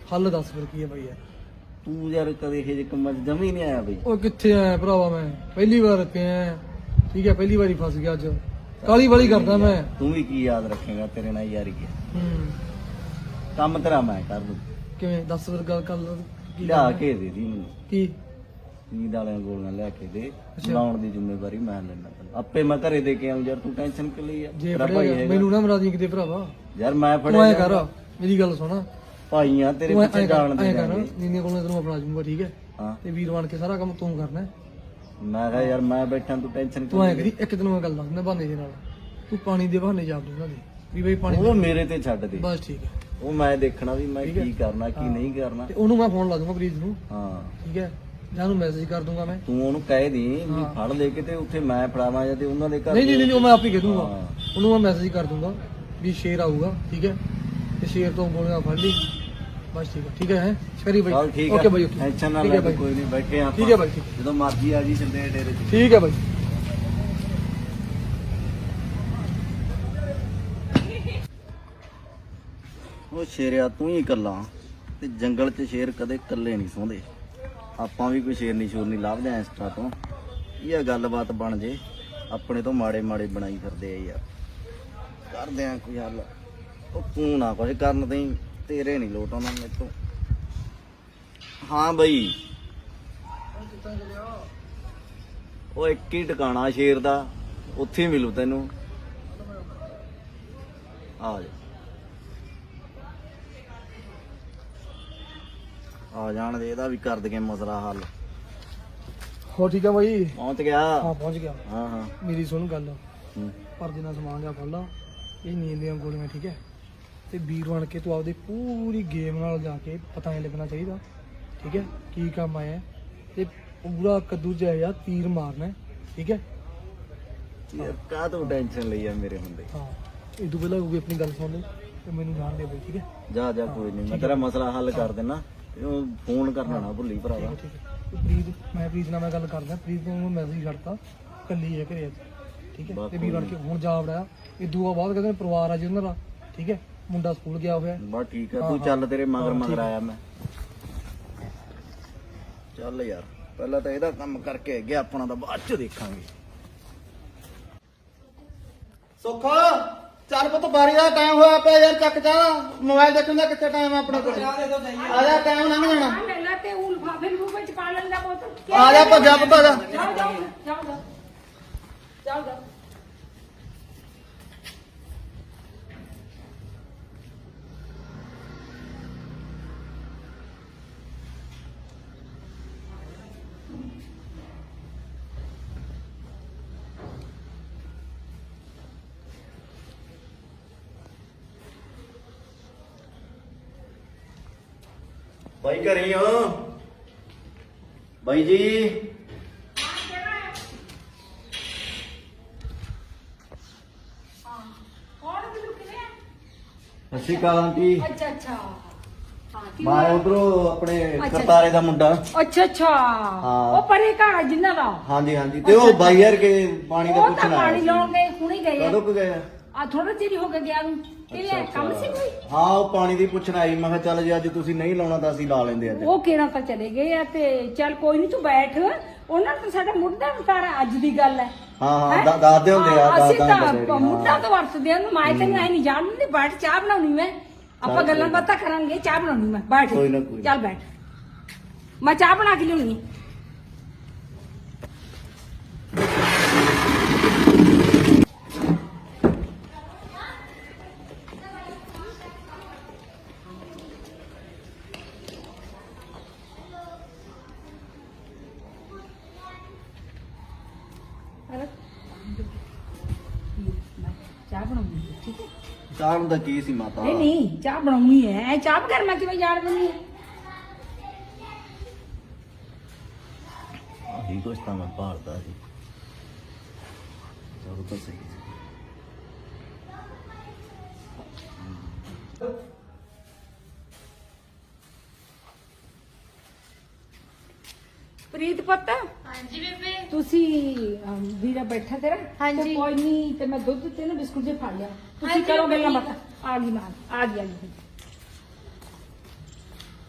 ਹੱਲ ਦੱਸ ਫਿਰ ਕੀ ਹੈ ਬਾਈ ਯਾਰ।
ਤੂੰ ਯਾਰ ਕਦੇ ਇਹ ਜਿਹੇ ਕੰਮਾਂ 'ਚ ਜਮੀ ਨਹੀਂ ਆਇਆ ਬਈ।
ਉਹ ਕਿੱਥੇ ਆਇਆ ਭਰਾਵਾ, ਮੈਂ ਪਹਿਲੀ ਵਾਰ ਪਿਆ ਠੀਕ ਹੈ, ਪਹਿਲੀ ਵਾਰੀ ਫਸ ਗਿਆ ਅੱਜ, ਕਾਲੀ ਵਾਲੀ ਕਰਦਾ ਮੈਂ।
ਤੂੰ ਵੀ ਕੀ ਯਾਦ ਰੱਖੇਗਾ, ਤੇਰੇ ਨਾਲ ਯਾਰੀ ਹੈ।
ਹੂੰ
ਕੰਮ ਤੇਰਾ ਮੈਂ ਕਰ ਦੂੰ।
ਕਿਵੇਂ ਦੱਸ ਫਿਰ ਗੱਲ ਕਰ ਕੀ
ਲਿਆ ਕੇ ਦੇ ਦੀ ਮੈਨੂੰ
ਕੀ
ਨੀਂਦ ਵਾਲੀਆਂ ਗੋਲੀਆਂ ਲਿਆ ਕੇ ਦੇ,
ਅੱਛਾ।
ਲਾਉਣ ਦੀ ਜ਼ਿੰਮੇਵਾਰੀ ਮੈਂ ਲੈਣਾ। ਆਪੇ ਮੈਂ ਘਰੇ ਦੇ ਕੇ ਆਉਂ ਯਾਰ, ਤੂੰ ਟੈਨਸ਼ਨ ਕਿ ਲਈ ਆ?
ਜੇ
ਤੇਰਾ ਭਾਈ
ਫੜਿਆ
ਹੈਗਾ।
ਮੈਨੂੰ ਨਾ ਮਰਾ ਦੀ ਕਿਤੇ ਭਰਾਵਾ।
ਯਾਰ ਮੈਂ
ਤੂੰ
ਫੜਿਆ
ਐ ਕਰ, ਮੇਰੀ ਗੱਲ ਸੁਣ,
ਭਾਈਆਂ ਤੇਰੇ
ਤੂੰ ਐ
ਪਿੱਛੇ
ਕਰ
ਜਾਣ ਦੇ
ਐ ਕਰ
ਜਾਣਗੇ।
ਨੀਂਦੀਆਂ ਕੋਲੋਂ ਤੈਨੂੰ ਆਪਣਾ ਜੂੰਗਾ ਠੀਕ ਹੈ,
ਹਾਂ
ਤੇ ਵੀਰ ਬਣ ਕੇ ਸਾਰਾ ਕੰਮ ਤੂੰ ਕਰਨਾ ਹੈ।
ਮੈਂ ਕਿਹਾ ਯਾਰ ਮੈਂ ਬੈਠਾ, ਤੂੰ ਟੈਨਸ਼ਨ
ਤੂੰ ਐ ਕਰੀ, ਇੱਕ ਦਿਨ ਮੈਂ ਗੱਲ ਦੱਸਦਾ ਬਹਾਨੇ ਦੇ ਨਾਲ, ਤੂੰ ਪਾਣੀ ਦੇ ਬਹਾਨੇ ਜਾ ਦੂੰਗਾ ਦੇ ਵੀ ਬਈ ਪਾਣੀ
ਉਹ ਮੇਰੇ ਤੇ ਛੱਡ ਦੇ,
ਬਸ ਠੀਕ ਹੈ।
ਉਹ ਮੈਂ ਦੇਖਣਾ ਵੀ ਮੈਂ
ਠੀਕ ਹੈ।
ਕੀ ਕਰਨਾ ਕੀ
ਹਾਂ।
ਨਹੀਂ ਕਰਨਾ।
ਤੇ ਉਹਨੂੰ ਮੈਂ ਫੋਨ ਲਾ ਦੂੰਗਾ ਪ੍ਰੀਤ ਨੂੰ
ਹਾਂ
ਠੀਕ ਹੈ, ਜਾਂ ਉਹਨੂੰ ਮੈਸੇਜ ਕਰ ਦੂੰਗਾ ਮੈਂ।
ਤੂੰ ਉਹਨੂੰ ਕਹਿ ਦੀ ਵੀ
ਹਾਂ।
ਫੜ ਲੈ ਕੇ ਤੇ ਉੱਥੇ ਮੈਂ ਫੜਾਵਾਂ ਜਾਂ ਤੇ ਉਹਨਾਂ ਦੇ ਘਰ।
ਨਹੀਂ ਨਹੀਂ ਨਹੀਂ ਉਹ ਮੈਂ ਆਪ ਹੀ ਕਹਿ ਦੂੰਗਾ,
ਹਾਂ।
ਉਹਨੂੰ ਮੈਂ ਮੈਸੇਜ ਕਰ ਦੂੰਗਾ ਵੀ ਸ਼ੇਰ ਆਊਗਾ ਠੀਕ ਹੈ, ਤੇ ਸ਼ੇਰ ਤੋਂ ਗੋਲੀਆਂ ਫੜ ਲਈ ਬਸ ਠੀਕ ਹੈ। ਠੀਕ ਹੈ ਹੈ ਸ਼ਰੀ ਬਾਈ,
ਚੱਲ ਠੀਕ
ਓਕੇ
ਹੈ,
ਬਾਈ ਓਕੇ,
ਟੈਨਸ਼ਨ ਨਾ
ਠੀਕ
ਲੈ
ਹੈ ਬਾਈ,
ਕੋਈ ਨਹੀਂ, ਬੈਠੇ ਆਪਾਂ।
ਠੀਕ ਹੈ ਬਾਈ, ਠੀਕ
ਜਦੋਂ ਮਰਜ਼ੀ ਆ ਜੀ ਚੰਦੇ ਡੇਰੇ 'ਚ।
ਠੀਕ ਹੈ ਬਾਈ।
ਉਹ ਸ਼ੇਰਿਆ ਤੂੰ ਹੀ ਇਕੱਲਾ, ਤੇ ਜੰਗਲ 'ਚ ਸ਼ੇਰ ਕਦੇ ਇਕੱਲੇ ਨਹੀਂ ਸੌਂਦੇ। ਆਪਾਂ ਵੀ ਕੋਈ ਸ਼ੇਰਨੀ ਸ਼ੂਰਨੀ ਲੱਭਦੇ ਆਂ ਇੰਸਟਾ ਤੋਂ, ਇਹ ਗੱਲਬਾਤ ਬਣ ਜੇ। ਆਪਣੇ ਤੋਂ ਮਾੜੇ ਮਾੜੇ ਬਣਾਈ ਫਿਰਦੇ ਆ ਯਾਰ, ਕਰਦੇ ਆ ਕੋਈ ਹੱਲ। ਉਹ ਤੂੰ ਨਾ ਕੁਝ ਕਰਨ ਦੇ, ਤੇਰੇ ਨਹੀਂ ਲੋਟ ਆਉਣਾ ਮੇਰੇ ਤੋਂ। ਹਾਂ ਬਈ, ਉਹ ਇੱਕ ਹੀ ਟਿਕਾਣਾ ਸ਼ੇਰ ਦਾ, ਉੱਥੇ ਹੀ ਮਿਲੂ ਤੈਨੂੰ। ਆ ਜਾ ਆ ਜਾਣ ਦੇ, ਇਹਦਾ ਵੀ ਕਰ ਦਗੇ ਮਸਲਾ ਹੱਲ।
ਹੋ ਠੀਕ ਹੈ ਬਾਈ,
ਪਹੁੰਚ ਗਿਆ।
ਹਾਂ ਪਹੁੰਚ ਗਿਆ।
ਹਾਂ ਹਾਂ
ਮੇਰੀ ਸੁਣ ਗੱਲ,
ਹੂੰ।
ਪਰ ਜਿੰਨਾ ਸਮਾਨ ਲਿਆ ਫੜ ਲਾ, ਇਹ ਨੀਂਦ ਦੀਆਂ ਗੋਲੀਆਂ ਠੀਕ ਹੈ, ਤੇ ਵੀਰ ਬਣ ਕੇ ਤੂੰ ਆਪਦੀ ਪੂਰੀ ਗੇਮ ਨਾਲ ਜਾ ਕੇ ਪਤਾ ਨਹੀਂ ਲੱਗਣਾ ਚਾਹੀਦਾ ਠੀਕ ਹੈ ਕੀ ਕੰਮ ਆਇਆ, ਤੇ ਪੂਰਾ ਕੱਦੂ ਜਿਹਾ ਤੀਰ ਮਾਰਨਾ ਹੈ, ਠੀਕ ਹੈ।
ਯਾਰ ਕਾਹ ਤੋਂ ਟੈਨਸ਼ਨ ਲਈ ਆ ਮੇਰੇ ਹੁੰਦੇ।
ਹਾਂ ਇਹ ਤੋਂ ਪਹਿਲਾਂ ਕੋਈ ਆਪਣੀ ਗੱਲ ਸੁਣ ਲੈ ਤੇ ਮੈਨੂੰ ਜਾਣ ਦੇ ਬਈ ਠੀਕ ਹੈ।
ਜਾ ਜਾ ਕੋਈ ਨਹੀਂ, ਮੈਂ ਤੇਰਾ ਮਸਲਾ ਹੱਲ ਕਰ ਦੇਣਾ। ਉਹ ਫੋਨ ਕਰਨਾ ਨਾ ਭੁੱਲੀ ਭਰਾਵਾ।
ਠੀਕ ਹੈ ਤੇ ਪ੍ਰੀਤ, ਮੈਂ ਪ੍ਰੀਤ ਨਾਲ ਮੈਂ ਗੱਲ ਕਰਦਾ, ਪ੍ਰੀਤ ਨੂੰ ਮੈਸੇਜ ਕਰਤਾ, ਕੱਲੀ ਹੈ ਘਰੇ ਅੱਜ ਠੀਕ ਹੈ, ਤੇ ਵੀਰ ਬਣ ਕੇ ਹੁਣ ਜਾ ਵੜਿਆ। ਇਹ ਦੂਆ ਬਾਅਦ ਕਹਿੰਦੇ ਪਰਿਵਾਰ ਆ ਜੀ ਉਹਨਾਂ ਦਾ ਠੀਕ ਹੈ, ਮੁੰਡਾ ਸਕੂਲ ਗਿਆ ਹੋਇਆ।
ਬਸ ਠੀਕ ਆ,
ਹਾਂ,
ਤੂੰ ਚੱਲ,
ਹਾਂ।
ਤੇਰੇ ਮਗਰ
ਹਾਂ,
ਮਗਰ
ਠੀਕ ਆ।
ਆਇਆ ਮੈਂ। ਚੱਲ ਯਾਰ, ਪਹਿਲਾਂ ਤਾਂ ਇਹਦਾ ਕੰਮ ਕਰਕੇ ਗਿਆ, ਆਪਣਾ ਤਾਂ ਬਾਅਦ ਚ ਦੇਖਾਂਗੇ। ਸੁੱਖ ਚੱਲ ਪੁੱਤ, ਬਾਰੀ ਦਾ ਟਾਈਮ ਹੋਇਆ ਪਿਆ ਯਾਰ, ਚੱਕ ਜਾ ਮੋਬਾਈਲ ਦੇਖਣ ਦਾ ਕਿੱਥੇ ਟਾਈਮ ਆ ਆਪਣੇ ਕੋਲ। ਆ ਜਾ, ਟਾਈਮ ਲੰਘ ਜਾਣਾ।
ਲੈ ਲੈ ਤੇ ਉਹ ਲਿਫਾਫੇ ਲਿਫੂਫੇ ਚ ਪਾ ਲੈਂਦਾ ਪੁੱਤ।
ਆ ਜਾ ਭੱਜਾ ਪੁੱਤ, ਆ ਜਾ।
ਜਾਓ ਜਾਓ ਜਾਓ ਜਾਓ ਜਾਓ ਜਾਓ।
ਬਾਈ ਘਰੇ ਹੋ? ਬਾਈ ਜੀ
ਕੌਣ ਮੈਨੂੰ ਕਿਵੇਂ?
ਸਤਿ ਸ਼੍ਰੀ ਅਕਾਲ ਆਂਟੀ।
ਅੱਛਾ ਅੱਛਾ ਹਾਂ ਕੀ
ਮੈਂ ਉਧਰੋਂ ਆਪਣੇ
ਅੱਛਾ।
ਕਰਤਾਰੇ ਦਾ ਮੁੰਡਾ।
ਅੱਛਾ ਅੱਛਾ
ਹਾਂ।
ਉਹ ਪਰੇ ਘਰ ਜਿੰਨਾ ਦਾ
ਹਾਂਜੀ ਹਾਂਜੀ, ਤੇ ਉਹ ਬਾਈ ਯਾਰ ਕੇ ਪਾਣੀ ਦਾ
ਉਹ ਤਾਂ
ਪੁੱਛਣਾ
ਪਾਣੀ ਲਾਉਣ ਗਏ ਹੁਣੇ ਗਏ
ਕਦੋਂ ਕੁ ਗਏ?
ਆ ਥੋੜਾ ਚਿਰ ਹੀ ਹੋ ਗਿਆ ਗਿਆ ਨੂੰ ਕਿਵੇਂ ਕੰਮ ਸੀ ਕੋਈ?
ਹਾਂ ਉਹ ਪਾਣੀ ਦੀ ਪੁੱਛਣ ਆਈ, ਮੈਂ ਕਿਹਾ ਚੱਲ ਜੇ ਅੱਜ ਤੁਸੀਂ ਨਹੀਂ ਲਾਉਣਾ ਤਾਂ ਅਸੀਂ ਲਾ ਲੈਂਦੇ ਅੱਜ।
ਉਹ ਕਿਹੜਾ ਤਾਂ ਚਲੇ ਗਏ ਆ, ਤੇ ਚੱਲ ਕੋਈ ਨਹੀਂ ਤੂੰ ਬੈਠ, ਉਹਨਾਂ ਨੂੰ ਸਾਡਾ ਮੁੱਢਾ ਵਿਚਾਰਾ ਅੱਜ ਦੀ ਗੱਲ ਹੈ।
ਹਾਂ ਹਾਂ
ਹੈਂ?
ਦਾ- ਦੱਸਦੇ ਹੁੰਦੇ ਆ,
ਹਾਂ,
ਦੱਸ
ਅਸੀਂ
ਦਾਂਗੇ
ਤਾਂ
ਡੈਡੀ, ਹਾਂ।
ਮੁੱਢਾ ਤੋਂ ਵਰਤਦੇ ਆ, ਉਹਨੂੰ ਮੈਂ ਤੈਨੂੰ ਐ ਨਹੀਂ ਜਾਣਦੀ, ਬੈਠ ਚਾਹ ਬਣਾਉਣੀ ਮੈਂ, ਆਪਾਂ
ਚੱਲ
ਗੱਲਾਂ
ਕੋਈ
ਬਾਤਾਂ ਕਰਾਂਗੇ, ਚਾਹ ਬਣਾਉਣੀ ਮੈਂ, ਬੈਠ
ਕੋਈ ਨਾ, ਕੋਈ ਨਾ।
ਚੱਲ ਬੈਠ, ਮੈਂ ਚਾਹ ਬਣਾ ਕੇ ਲਿਆਉਣੀ। ਚਾਹ ਬਣਾਉਣੀ ਹੈ, ਠੀਕ ਹੈ?
ਚਾਹ ਨੂੰ ਤਾਂ ਕੀ ਸੀ ਮਾਤਾ?
ਨਹੀਂ ਨਹੀਂ ਚਾਹ ਬਣਾਉਣੀ ਹੈ, ਚਾਹ ਬਗੈਰ ਮੈਂ ਕਿਵੇਂ ਜਾਣ ਦਿੰਦੀ ਹਾਂ?
ਆਹੀ ਕੁਛ ਤਾਂ ਮੈਂ ਭਾਲਦਾ ਸੀ। ਚਲੋ ਤਾਂ ਸਹੀ ਸੀ।
ਪ੍ਰੀਤ ਪੁੱਤ,
ਹਾਂਜੀ ਬੇਬੇ।
ਤੁਸੀਂ ਅਮ, ਵੀਰਾ ਬੈਠਾ ਤੇਰਾ?
ਹਾਂਜੀ।
ਤੇ ਕੋਈ ਨਹੀਂ, ਤੇ ਮੈਂ ਦੁੱਧ ਤੇ ਨਾ ਬਿਸਕੁਟ ਜੇ ਫੜ ਲਿਆ, ਤੁਸੀਂ
ਹਾਂਜੀ,
ਕਰੋ ਗੱਲਾਂ
ਠੀਕ।
ਬਾਤਾਂ। ਆ ਗਈ ਮਾਂ, ਆ ਗਈ ਆ ਗਈ।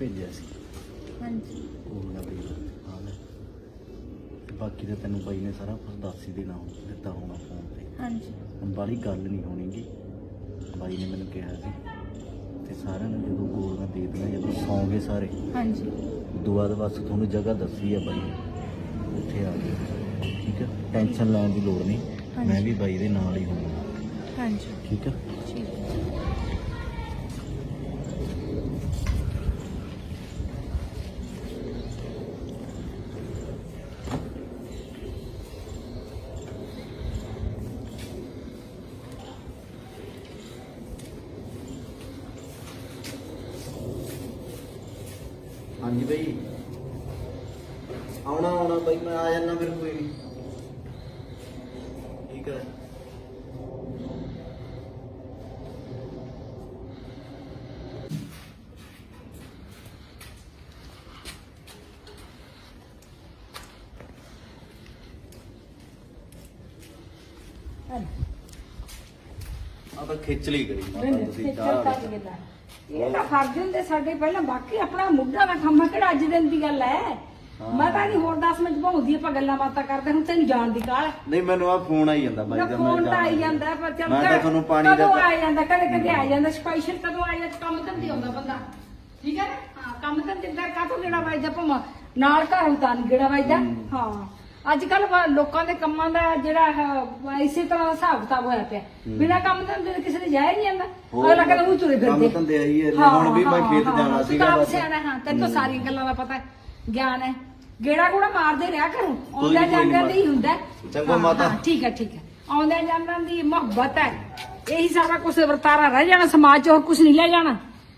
ਭੇਜਿਆ ਸੀ
ਹਾਂਜੀ
ਉਹ ਵਾਲਾ ਬਿੱਲ ਆ ਲੈ ਤੇ ਬਾਕੀ ਤਾਂ ਤੈਨੂੰ ਬਾਈ ਨੇ ਸਾਰਾ ਕੁਝ ਦੱਸ ਹੀ ਦੇਣਾ ਹੁਣ ਦਿੱਤਾ ਹੋਣਾ ਫੋਨ ਤੇ
ਹਾਂਜੀ
ਹੁਣ ਬਾਹਲੀ ਗੱਲ ਨਹੀਂ ਹੋਣੀਗੀ ਬਾਈ ਨੇ ਮੈਨੂੰ ਕਿਹਾ ਸੀ ਤੇ ਸਾਰਿਆਂ ਨੂੰ ਜਦੋਂ ਗੋਲੀਆਂ ਦੇ ਦੇਣਾ ਜਦੋਂ ਸੌਂਗੇ ਸਾਰੇ
ਹਾਂਜੀ
ਉਦੋਂ ਬਾਅਦ ਬਸ ਤੁਹਾਨੂੰ ਜਗ੍ਹਾ ਦੱਸੀ ਆ ਬਾਈ ਨੇ ਉੱਥੇ ਆ ਗਏ ਠੀਕ ਹੈ ਟੈਨਸ਼ਨ ਲੈਣ ਦੀ ਲੋੜ ਨਹੀਂ ਮੈਂ ਵੀ ਬਾਈ ਦੇ ਨਾਲ ਹੀ ਹੋਣਾ
ਹਾਂਜੀ
ਠੀਕ ਹੈ
ਠੀਕ ਹੈ
ਹਾਂਜੀ ਬਾਈ ਆਉਣਾ ਆਉਣਾ ਬਾਈ ਮੈਂ ਆ ਜਾਣਾ ਫਿਰ ਕੋਈ ਨਹੀਂ ਠੀਕ ਹੈ ਆ ਤਾਂ ਖਿੱਚ ਲਈ ਗਈ ਮਾਤਾ ਤੁਸੀਂ ਚਾਹ ਵਾਲੀ।
ਇਹ ਤਾਂ ਫਰਜ਼ ਹੁੰਦੇ ਸਾਡੇ ਪਹਿਲਾਂ ਬਾਕੀ ਆਪਣਾ ਮੁੱਢਾ ਦਾ ਕੰਮ ਆ, ਕਿਹੜਾ ਅੱਜ ਦਿਨ ਦੀ ਗੱਲ ਹੈ। ਮੈਂ ਤਾਂ ਨਹੀਂ ਹੋਰ ਦਸ ਮਿੰਟ ਭਾਉਂਦੀ ਆਪਾਂ ਗੱਲਾਂ ਬਾਤਾਂ ਕਰਦੇ ਹੁਣ ਤੈਨੂੰ ਜਾਣ ਦੀ ਕਾਹਲ ਹੈ।
ਨਹੀਂ ਮੈਨੂੰ ਆ ਫੋਨ ਆਈ ਜਾਂਦਾ ਬਾਈ ਦਾ
ਫੋਨ ਤਾਂ ਆਈ ਜਾਂਦਾ ਪਰ ਚੱਲ
ਮੈਂ ਤਾਂ ਤੁਹਾਨੂੰ ਪਾਣੀ ਦਾ
ਕਦੋਂ ਆ ਜਾਂਦਾ ਕਦੇ ਕਦੇ ਆ ਜਾਂਦਾ ਸਪੈਸ਼ਲ ਕਦੋਂ ਆ ਜਾਂਦਾ ਕੰਮ ਧੰਦੇ ਆਉਂਦਾ ਬੰਦਾ ਠੀਕ ਹੈ ਨਾ ਹਾਂ ਕੰਮ ਧੰਦੇ ਦਾ ਕਾਹਤੋਂ ਗੇੜਾ ਵੱਜਦਾ ਭਾਵੇਂ ਨਾਲ ਘਰ ਉਤਾਂ ਗੇੜਾ ਵੱਜਦਾ ਹਾਂ ਅੱਜ ਕੱਲ ਲੋਕਾਂ ਦੇ ਕੰਮਾਂ ਦਾ ਜਿਹੜਾ ਹੈ ਇਸੇ ਤਰ੍ਹਾਂ ਹਿਸਾਬ ਕਿਤਾਬ ਹੋਇਆ ਪਿਆ ਬਿਨਾਂ ਕੰਮ ਧੰਦੇ ਦੇ ਕਿਸੇ ਦੇ ਜਾਇਆ ਨਹੀਂ ਜਾਂਦਾ ਅਗਲਾ ਕਹਿੰਦਾ ਉਹ ਤੁਰੇ ਫਿਰਦੇ
ਕੰਮ ਧੰਦੇ ਆਈ ਹੈ ਹੁਣ ਵੀ ਮੈਂ ਖੇਤ ਜਾਣਾ ਸੀਗਾ
ਕੰਮ ਸਿਆਣਾ ਹਾਂ ਤੈਨੂੰ ਤਾਂ ਸਾਰੀਆਂ ਗੱਲਾਂ ਦਾ ਪਤਾ ਹੈ ਗਿਆਨ ਹੈ ਗੇੜਾ ਗੂੜਾ ਮਾਰਦੇ ਰਿਹਾ ਕਰੋ ਆਉਂਦਾ ਜਾਂਦਾ ਦੀ ਹੁੰਦਾ
ਚੰਗਾ ਮਾਤਾ
ਠੀਕ ਹੈ ਠੀਕ ਹੈ ਆਉਂਦਾ ਜਾਂਦਾ ਦੀ ਮੁਹੱਬਤ ਹੈ ਇਹੀ ਸਾਰਾ ਕੁਝ ਵਰਤਾਰਾ ਰਹਿ ਜਾਣਾ ਸਮਾਜ ਚ ਹੋਰ ਕੁਝ ਨਹੀਂ ਲੈ ਜਾਣਾ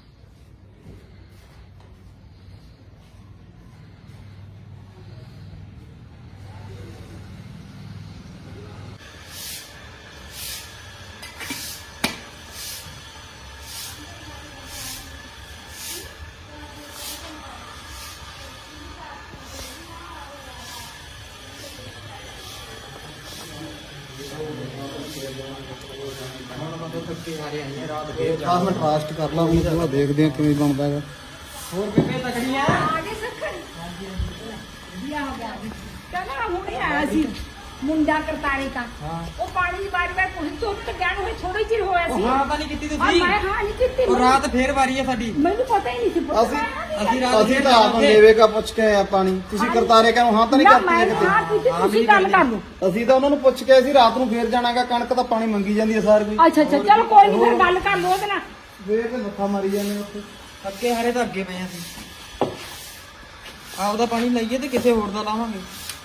ਦਸ ਮਿੰਟ ਫਾਸਟ ਕਰ ਲਾ ਹੁਣ ਥੋੜਾ ਦੇਖਦੇ ਆ ਕਿਵੇਂ ਬਣਦਾ ਹੈਗਾ
ਆ ਗਏ ਸੱਖਣ ਵਧੀਆ ਹੋ ਗਿਆ ਕਹਿੰਦਾ ਹੁਣੇ ਆਇਆ ਸੀ ਮੁੰਡਾ ਕਰਤਾਰੇ ਤਾਂ ਉਹ ਪਾਣੀ ਦੀ ਵਾਰੀ ਵਾਰ ਕੁਝ ਤੁੱਟ ਗਿਆ ਨੂੰ ਥੋੜੀ ਚਿਰ ਹੋਇਆ ਸੀ
ਹਾਂ ਤਾਂ ਨਹੀਂ ਕੀਤੀ
ਆ
ਤੁਸੀਂ
ਮੈਂ ਹਾਂ ਨਹੀਂ ਕੀਤੀ
ਉਹ ਰਾਤ ਫੇਰ ਵਾਰੀ ਹੈ ਸਾਡੀ
ਮੈਨੂੰ ਪਤਾ ਹੀ ਨਹੀਂ ਸੀ ਪੁੱਤ
ਅਸੀਂ-
ਅਸੀਂ ਰਾਤ
ਅਸੀਂ
ਫੇਰ
ਤਾਂ ਆਪ ਨੇਵੇ ਕਾ ਪੁੱਛ ਕੇ ਆਏ ਆ ਪਾਣੀ ਤੁਸੀਂ ਕਰਤਾਰੇ ਕਾ ਹਾਂ ਤਾਂ ਨਹੀਂ
ਨਾ
ਕਰਤੀ
ਮੈਂ
ਕਿਤੇ
ਹਾਂ ਕੀਤੀ ਤੁਸੀਂ ਗੱਲ ਕਰ ਲਓ
ਅਸੀਂ ਤਾਂ ਉਹਨਾਂ ਨੂੰ ਪੁੱਛ ਕੇ ਆਏ ਸੀ ਰਾਤ ਨੂੰ ਫੇਰ ਜਾਣਾਗਾ ਕਣਕ ਤਾਂ ਪਾਣੀ ਮੰਗੀ ਜਾਂਦੀ ਹੈ ਸਾਰ ਕੋਈ
ਅੱਛਾ ਅੱਛਾ ਚਲੋ ਕੋਈ ਨਹੀਂ ਫਿਰ ਗੱਲ ਕਰ ਲਓ ਉਹਦੇ ਨਾਲ
ਫੇਰ ਤੇ ਮੱਥਾ ਮਾਰੀ ਜਾਂਦੇ ਉੱਥੇ
ਅੱਗੇ ਹਾਰੇ ਤਾਂ ਅੱਗੇ ਪਏ ਅਸੀਂ ਆਪਦਾ ਪਾਣੀ ਲਈਏ ਤੇ ਕਿਸੇ ਹੋਰ ਦਾ ਲਾਵਾਂਗੇ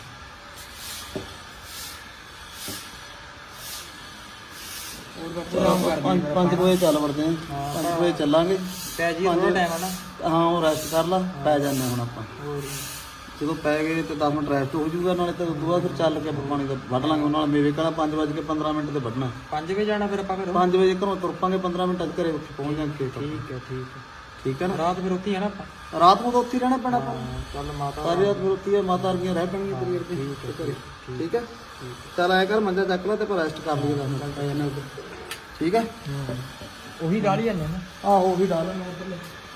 ਹੋਰ ਬਾਪੂ ਆਰਾਮ ਕਰ
ਪੰਜ ਪੰਜ ਵਜੇ ਚੱਲ ਵੜਦੇ ਆ ਪੰਜ ਵਜੇ ਚੱਲਾਂਗੇ
ਪੈ ਜੀ ਉਹ ਟਾਈਮ ਆ ਨਾ
ਹਾਂ ਉਹ ਰੈਸਟ ਕਰ ਲਾ ਪੈ ਜਾਂਦੇ ਹੁਣ ਆਪਾਂ
ਹੋਰ
ਜਦੋਂ ਪੈ ਗਏ ਤੇ ਦਸ ਮਿੰਟ ਰੈਸਟ ਹੋ ਜਾਊਗਾ ਨਾਲੇ ਤੇ ਉਦੋਂ ਬਾਅਦ ਫਿਰ ਚੱਲ ਕੇ ਆਪਾਂ ਪਾਣੀ ਦਾ ਵੱਢ ਲਾਂਗੇ ਉਹਨਾਂ ਨਾਲ ਮੇਵੇ ਕਲਾ ਪੰਜ ਵਜੇ ਕੇ ਪੰਦਰਾਂ ਮਿੰਟ ਤੇ ਵੱਢਣਾ
ਪੰਜ ਵਜੇ ਜਾਣਾ ਫਿਰ ਆਪਾਂ ਫਿਰ
ਪੰਜ ਵਜੇ ਘਰੋਂ ਤੁਰ ਪਾਂਗੇ ਪੰਦਰਾਂ ਮਿੰਟ ਤੱਕ ਘਰੇ ਉੱਥੇ ਪਹੁੰਚ ਜਾਾਂਗੇ ਖੇਤ
ਠੀਕ ਹੈ ਠੀਕ ਹੈ
ਠੀਕ ਹੈ ਨਾ
ਰਾਤ ਫਿਰ ਉੱਥੇ ਹੀ ਆ ਨਾ ਆਪਾਂ
ਰਾਤ ਨੂੰ ਤਾਂ ਉੱਥੇ ਹੀ ਰਹਿਣਾ ਪੈਣਾ ਆਪਾਂ
ਚੱਲ ਮਾਤਾ
ਸਾਰੀ ਰਾਤ ਫਿਰ ਉੱਥੇ ਹੀ ਆ, ਮਾਤਾ ਵਰਗੀਆਂ ਰਹਿ ਪੈਣਗੀਆਂ ਤੇਰੀ ਵਰਗੀ ਘਰੇ। ਠੀਕ ਹੈ ਚੱਲ ਆਇਆ ਕਰ ਮੰਜਾ ਚੱਕ ਲੈ ਤੇ ਪਰ ਰੈਸਟ ਕਰ ਲਈਏ ਦਸ ਮਿੰਟ ਪੈ ਜਾਂਦੇ ਉੱਧਰ ਠੀਕ ਹੈ
ਉਹੀ ਡਾਲ ਹੀ ਜਾਂਦੇ ਨਾ
ਆਹੋ ਉਹ ਵੀ ਡਾਲ ਲੈਣਾ ਉੱਧਰਲੇ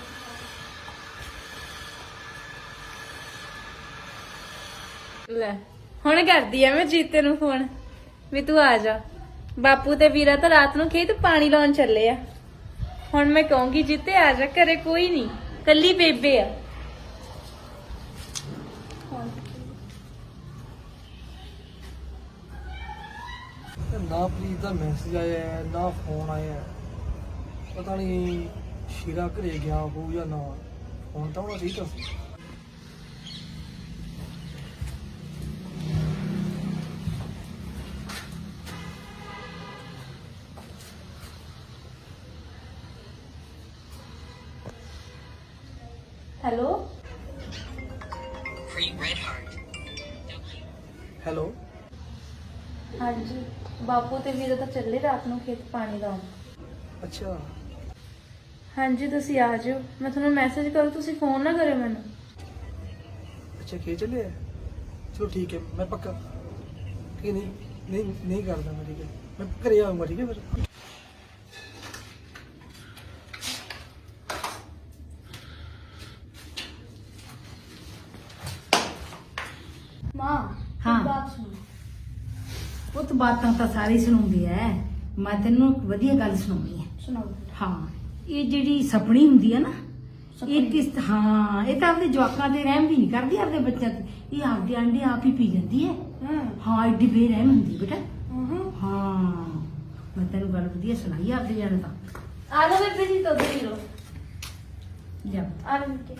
ਲੈ ਹੁਣ ਕਰਦੀ ਆ ਮੈਂ ਜੀਤੇ ਨੂੰ ਫੋਨ ਵੀ ਤੂੰ ਆ ਜਾ ਬਾਪੂ ਤੇ ਵੀਰਾ ਤਾਂ ਰਾਤ ਨੂੰ ਖੇਤ ਪਾਣੀ ਲਾਉਣ ਚੱਲੇ ਆ ਹੁਣ ਮੈਂ ਕਹੂੰਗੀ ਜੀਤੇ ਆ ਜਾ ਘਰੇ ਕੋਈ ਨਹੀਂ ਕੱਲੀ ਬੇਬੇ ਆ
ਨਾ ਪ੍ਰੀਤ ਦਾ ਮੈਸੇਜ ਆਇਆ ਹੈ, ਨਾ ਫੋਨ ਆਇਆ ਹੈ। ਪਤਾ ਨਹੀਂ ਸ਼ੀਰਾ ਘਰੇ ਗਿਆ ਹੋਊ ਜਾਂ ਨਾ ਫੋਨ ਤਾਂ ਉਹਦਾ ਠੀਕ ਆ
hello
Free Red Heart.
Hello
ਹਾਂਜੀ ਬਾਪੂ ਤੇ ਵੀਰਾ ਤਾਂ ਚੱਲੇ ਰਾਤ ਨੂੰ ਖੇਤ ਪਾਣੀ ਲਾਉਣ
ਅੱਛਾ
ਹਾਂਜੀ ਤੁਸੀਂ ਆ ਜਾਓ ਮੈਂ ਤੁਹਾਨੂੰ ਮੈਸੇਜ ਕਰੂ ਤੁਸੀਂ ਫੋਨ ਨਾ ਕਰਿਓ ਮੈਨੂੰ
ਅੱਛਾ ਕੀ ਚੱਲਿਆ ਚਲੋ ਠੀਕ ਹੈ ਮੈਂ ਪੱਕਾ ਕਿ ਨਹੀਂ ਨਹੀਂ ਨਹੀਂ ਕਰਦਾ ਮੈਂ ਠੀਕ ਹੈ ਮੈਂ ਘਰੇ ਆਉਂਗਾ ਠੀਕ ਹੈ ਫਿਰ
ਮਾਂ
ਹਾਂ।
ਇੱਕ ਬਾਤ ਸੁਣੋ।
ਉਹ ਤਾਂ ਬਾਤਾਂ ਤਾਂ ਸਾਰੀ ਸੁਣਾਉਂਦੀ ਐ, ਮੈਂ ਤੈਨੂੰ ਇੱਕ ਵਧੀਆ ਗੱਲ ਸੁਣਾਉਣੀ ਹੈ।
ਸੁਣਾਓ।
ਹਾਂ, ਇਹ ਜਿਹੜੀ ਸਪਣੀ ਹੁੰਦੀ ਹੈ ਨਾ, ਇਹ ਕਿਸ ਹਾਂ ਇਹ ਤਾਂ ਆਪਣੇ ਜਵਾਕਾਂ ਦੇ ਰਹਿਮ ਵੀ ਨਹੀਂ ਕਰਦੀ, ਆਪਣੇ ਬੱਚਿਆਂ ਤੇ ਇਹ ਆਪਦੇ ਆਂਡੇ ਆਪ ਹੀ ਪੀ ਜਾਂਦੀ ਹੈ।
ਹਾਂ
ਹਾਂ, ਐਡੀ ਬੇਰਹਿਮ ਹੁੰਦੀ ਬੇਟਾ।
ਹਾਂ
ਹਾਂ, ਮੈਂ ਤੈਨੂੰ ਗੱਲ ਵਧੀਆ ਸੁਣਾਈ ਆ ਆਪਦੇ ਜਾਣ ਤਾਂ।
ਆ ਲਓ ਬੇਬੇ ਜੀ ਦੁੱਧ ਪੀ ਲਓ।
ਜਾ
ਆ ਲਓ ਕੇ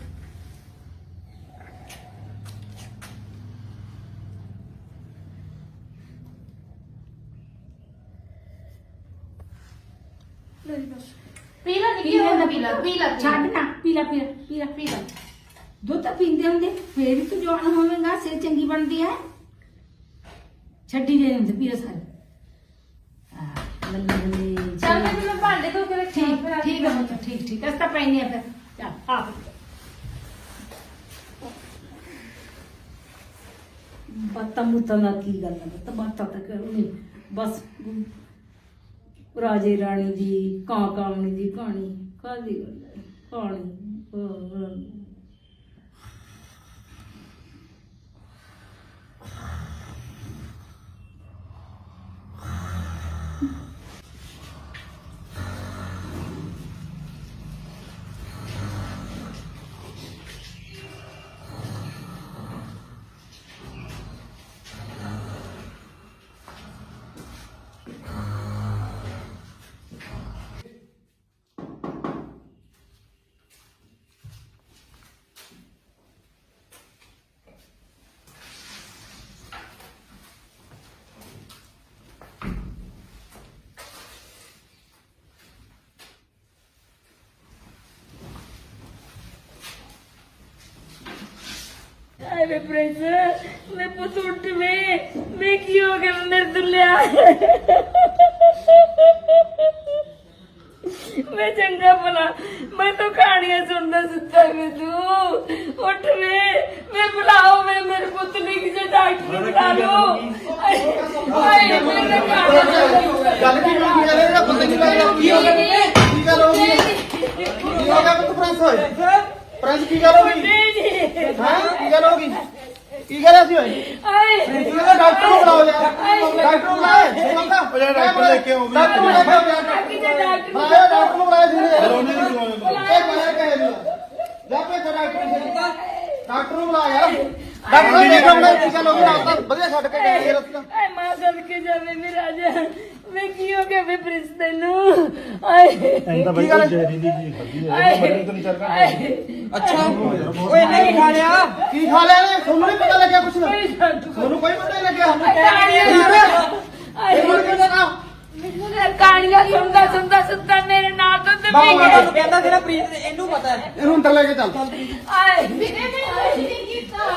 ਮੇਰੀ ਬਸ ਪੀ ਲਾ ਨਿੱਕੀ ਹੁਣ ਪੀ ਲਾ ਪੀ ਲਾ
ਛੱਡ ਨਾ, ਪੀ ਲੈ ਪੀ ਲੈ ਪੀ ਲੈ
ਪੀ ਲਾ।
ਦੁੱਧ ਤਾਂ ਪੀਂਦੇ ਹੁੰਦੇ, ਫੇਰ ਹੀ ਤੂੰ ਜਵਾਨ ਹੋਵੇਂਗਾ, ਸਿਹਤ ਚੰਗੀ ਬਣਦੀ ਹੈ। ਛੱਡੀ ਦੇ ਹੁੰਦੇ ਪੀ ਲੈ ਸਾਰੇ। ਹਾਂ, ਬੱਲੇ ਬੱਲੇ।
ਚੱਲ ਬੇਬੇ ਮੈਂ ਭਾਂਡੇ ਧੋ ਕੇ ਰੱਖੀ
ਠੀਕ ਠੀਕ ਹੈ ਪੁੱਤ, ਠੀਕ ਠੀਕ ਅਸਤਾ ਪੈਣੀ ਆ ਫਿਰ। ਚੱਲ ਆ ਬਾਤਾਂ ਮੁੱਤਾਂ ਦਾ ਕੀ ਗੱਲ ਹੈ, ਤਾਂ ਬਾਤਾਂ ਤਾਂ ਕਰਨੀ ਬਸ। ਰਾਜੇ ਰਾਣੀ ਦੀ ਕਾਂ ਕਾਮਣੀ ਦੀ ਕਹਾਣੀ ਕਾਹਦੀ ਗੱਲ ਹੈ, ਕਹਾਣੀ ਹੋਰ।
अरे प्रिंस मैं पुत उठ में मैं क्यों कर मेरे दुल्ला मैं चंगा भला मैं तो कहानियां सुनता सुनता में तू उठ में मैं बुलाओ मैं मेरे पुत ने किसी डॉक्टर बुला लो ओए मेरे
ਗੱਲ ਕੀ ਹੋਈ ਗੱਲ ਇਹਦਾ ਬੰਦੇ ਦੀ ਗੱਲ ਕੀ ਹੋ ਗਿਆ ਕੀ ਗੱਲ ਹੋ ਗਈ ਕੀ ਹੋ ਗਿਆ ਪੁੱਤ ਪ੍ਰਿੰਸ ਹੋਏ ਪ੍ਰਿੰਸ ਕੀ ਗੱਲ ਹੋ ਗਈ ਹਾਂ ਕੀ ਗੱਲ ਹੋ ਗਈ ਕੀ ਗੱਲ ਸੀ ਹੋਈ
आए
ਇਹਦਾ ਡਾਕਟਰ ਨੂੰ ਬੁਲਾਓ ਯਾਰ ਡਾਕਟਰ ਨੂੰ ਬੁਲਾਓ ਮੰਗਾ ਉਹ ਡਾਕਟਰ ਲੈ ਕੇ ਆਓ ਡਾਕਟਰ ਨੂੰ ਲੈ ਕੇ ਆਓ ਯਾਰ
किसी डॉक्टर
ਹਾਂ ਡਾਕਟਰ ਨੂੰ ਬੁਲਾਇਆ ਸੀ ਉਹਨੇ ਨਹੀਂ ਬੁਲਾਇਆ ਇਹ ਬੁਲਾਇਆ ਕਹੇ ਨਹੀਂ ਜਾ ਪੇ ਡਾਕਟਰ ਨੂੰ ਡਾਕਟਰ ਨੂੰ ਬੁਲਾ ਯਾਰ ਡਾਕਟਰ ਨੂੰ ਦੇਖੋ ਮੈਂ ਕੀ ਗੱਲ ਹੋ ਗਈ ਨਾ ਵਧੀਆ ਛੱਡ ਕੇ ਗਏ ਇਹ ਰਸਤਾ
ਆਏ ਮਾਂ ਸਦਕੇ ਜਾਵੇ ਮੇਰਾ ਰਾਜਾ ਮੈਂ ਕੀ ਹੋ ਗਿਆ ਵੇ ਪ੍ਰਿੰਸ ਤੈਨੂੰ ਆਏ
ਤਾਂ ਬਈ ਕੋਈ ਜ਼ਹਿਰੀ ਦੀ ਚੀਜ਼ ਖਾਧੀ ਹੈ ਮਰਨ ਤੋਂ ਨਹੀਂ ਚੱਲ ਰਿਹਾ।
ਅੱਛਾ ਓਏ ਇਹਨੇ ਕੀ ਖਾ ਲਿਆ ਕੀ ਖਾ ਲਿਆ ਨੇ ਤੁਹਾਨੂੰ ਨਹੀਂ ਪਤਾ ਲੱਗਿਆ ਕੁਛ ਤੁਹਾਨੂੰ ਕੋਈ ਪਤਾ ਨਹੀਂ ਲੱਗਿਆ ਇਹ ਮੁੜ ਕੇ ਨਾ
ਕਹਾਣੀਆਂ ਸੁਣਦਾ ਸੁਣਦਾ ਸੁਣਦਾ ਮੇਰੇ ਨਾਲ ਤੋਂ ਤੇ ਪੀ ਗਿਆ
ਕਹਿੰਦਾ ਤੇਰਾ ਪ੍ਰੀਤ ਇਹਨੂੰ ਪਤਾ ਹੈ।
ਇਹਨੂੰ ਅੰਦਰ ਲੈ ਕੇ ਚੱਲ
ਆਏ ਵੀਰੇ ਮੈਂ ਕੁਝ ਨਹੀਂ ਕੀਤਾ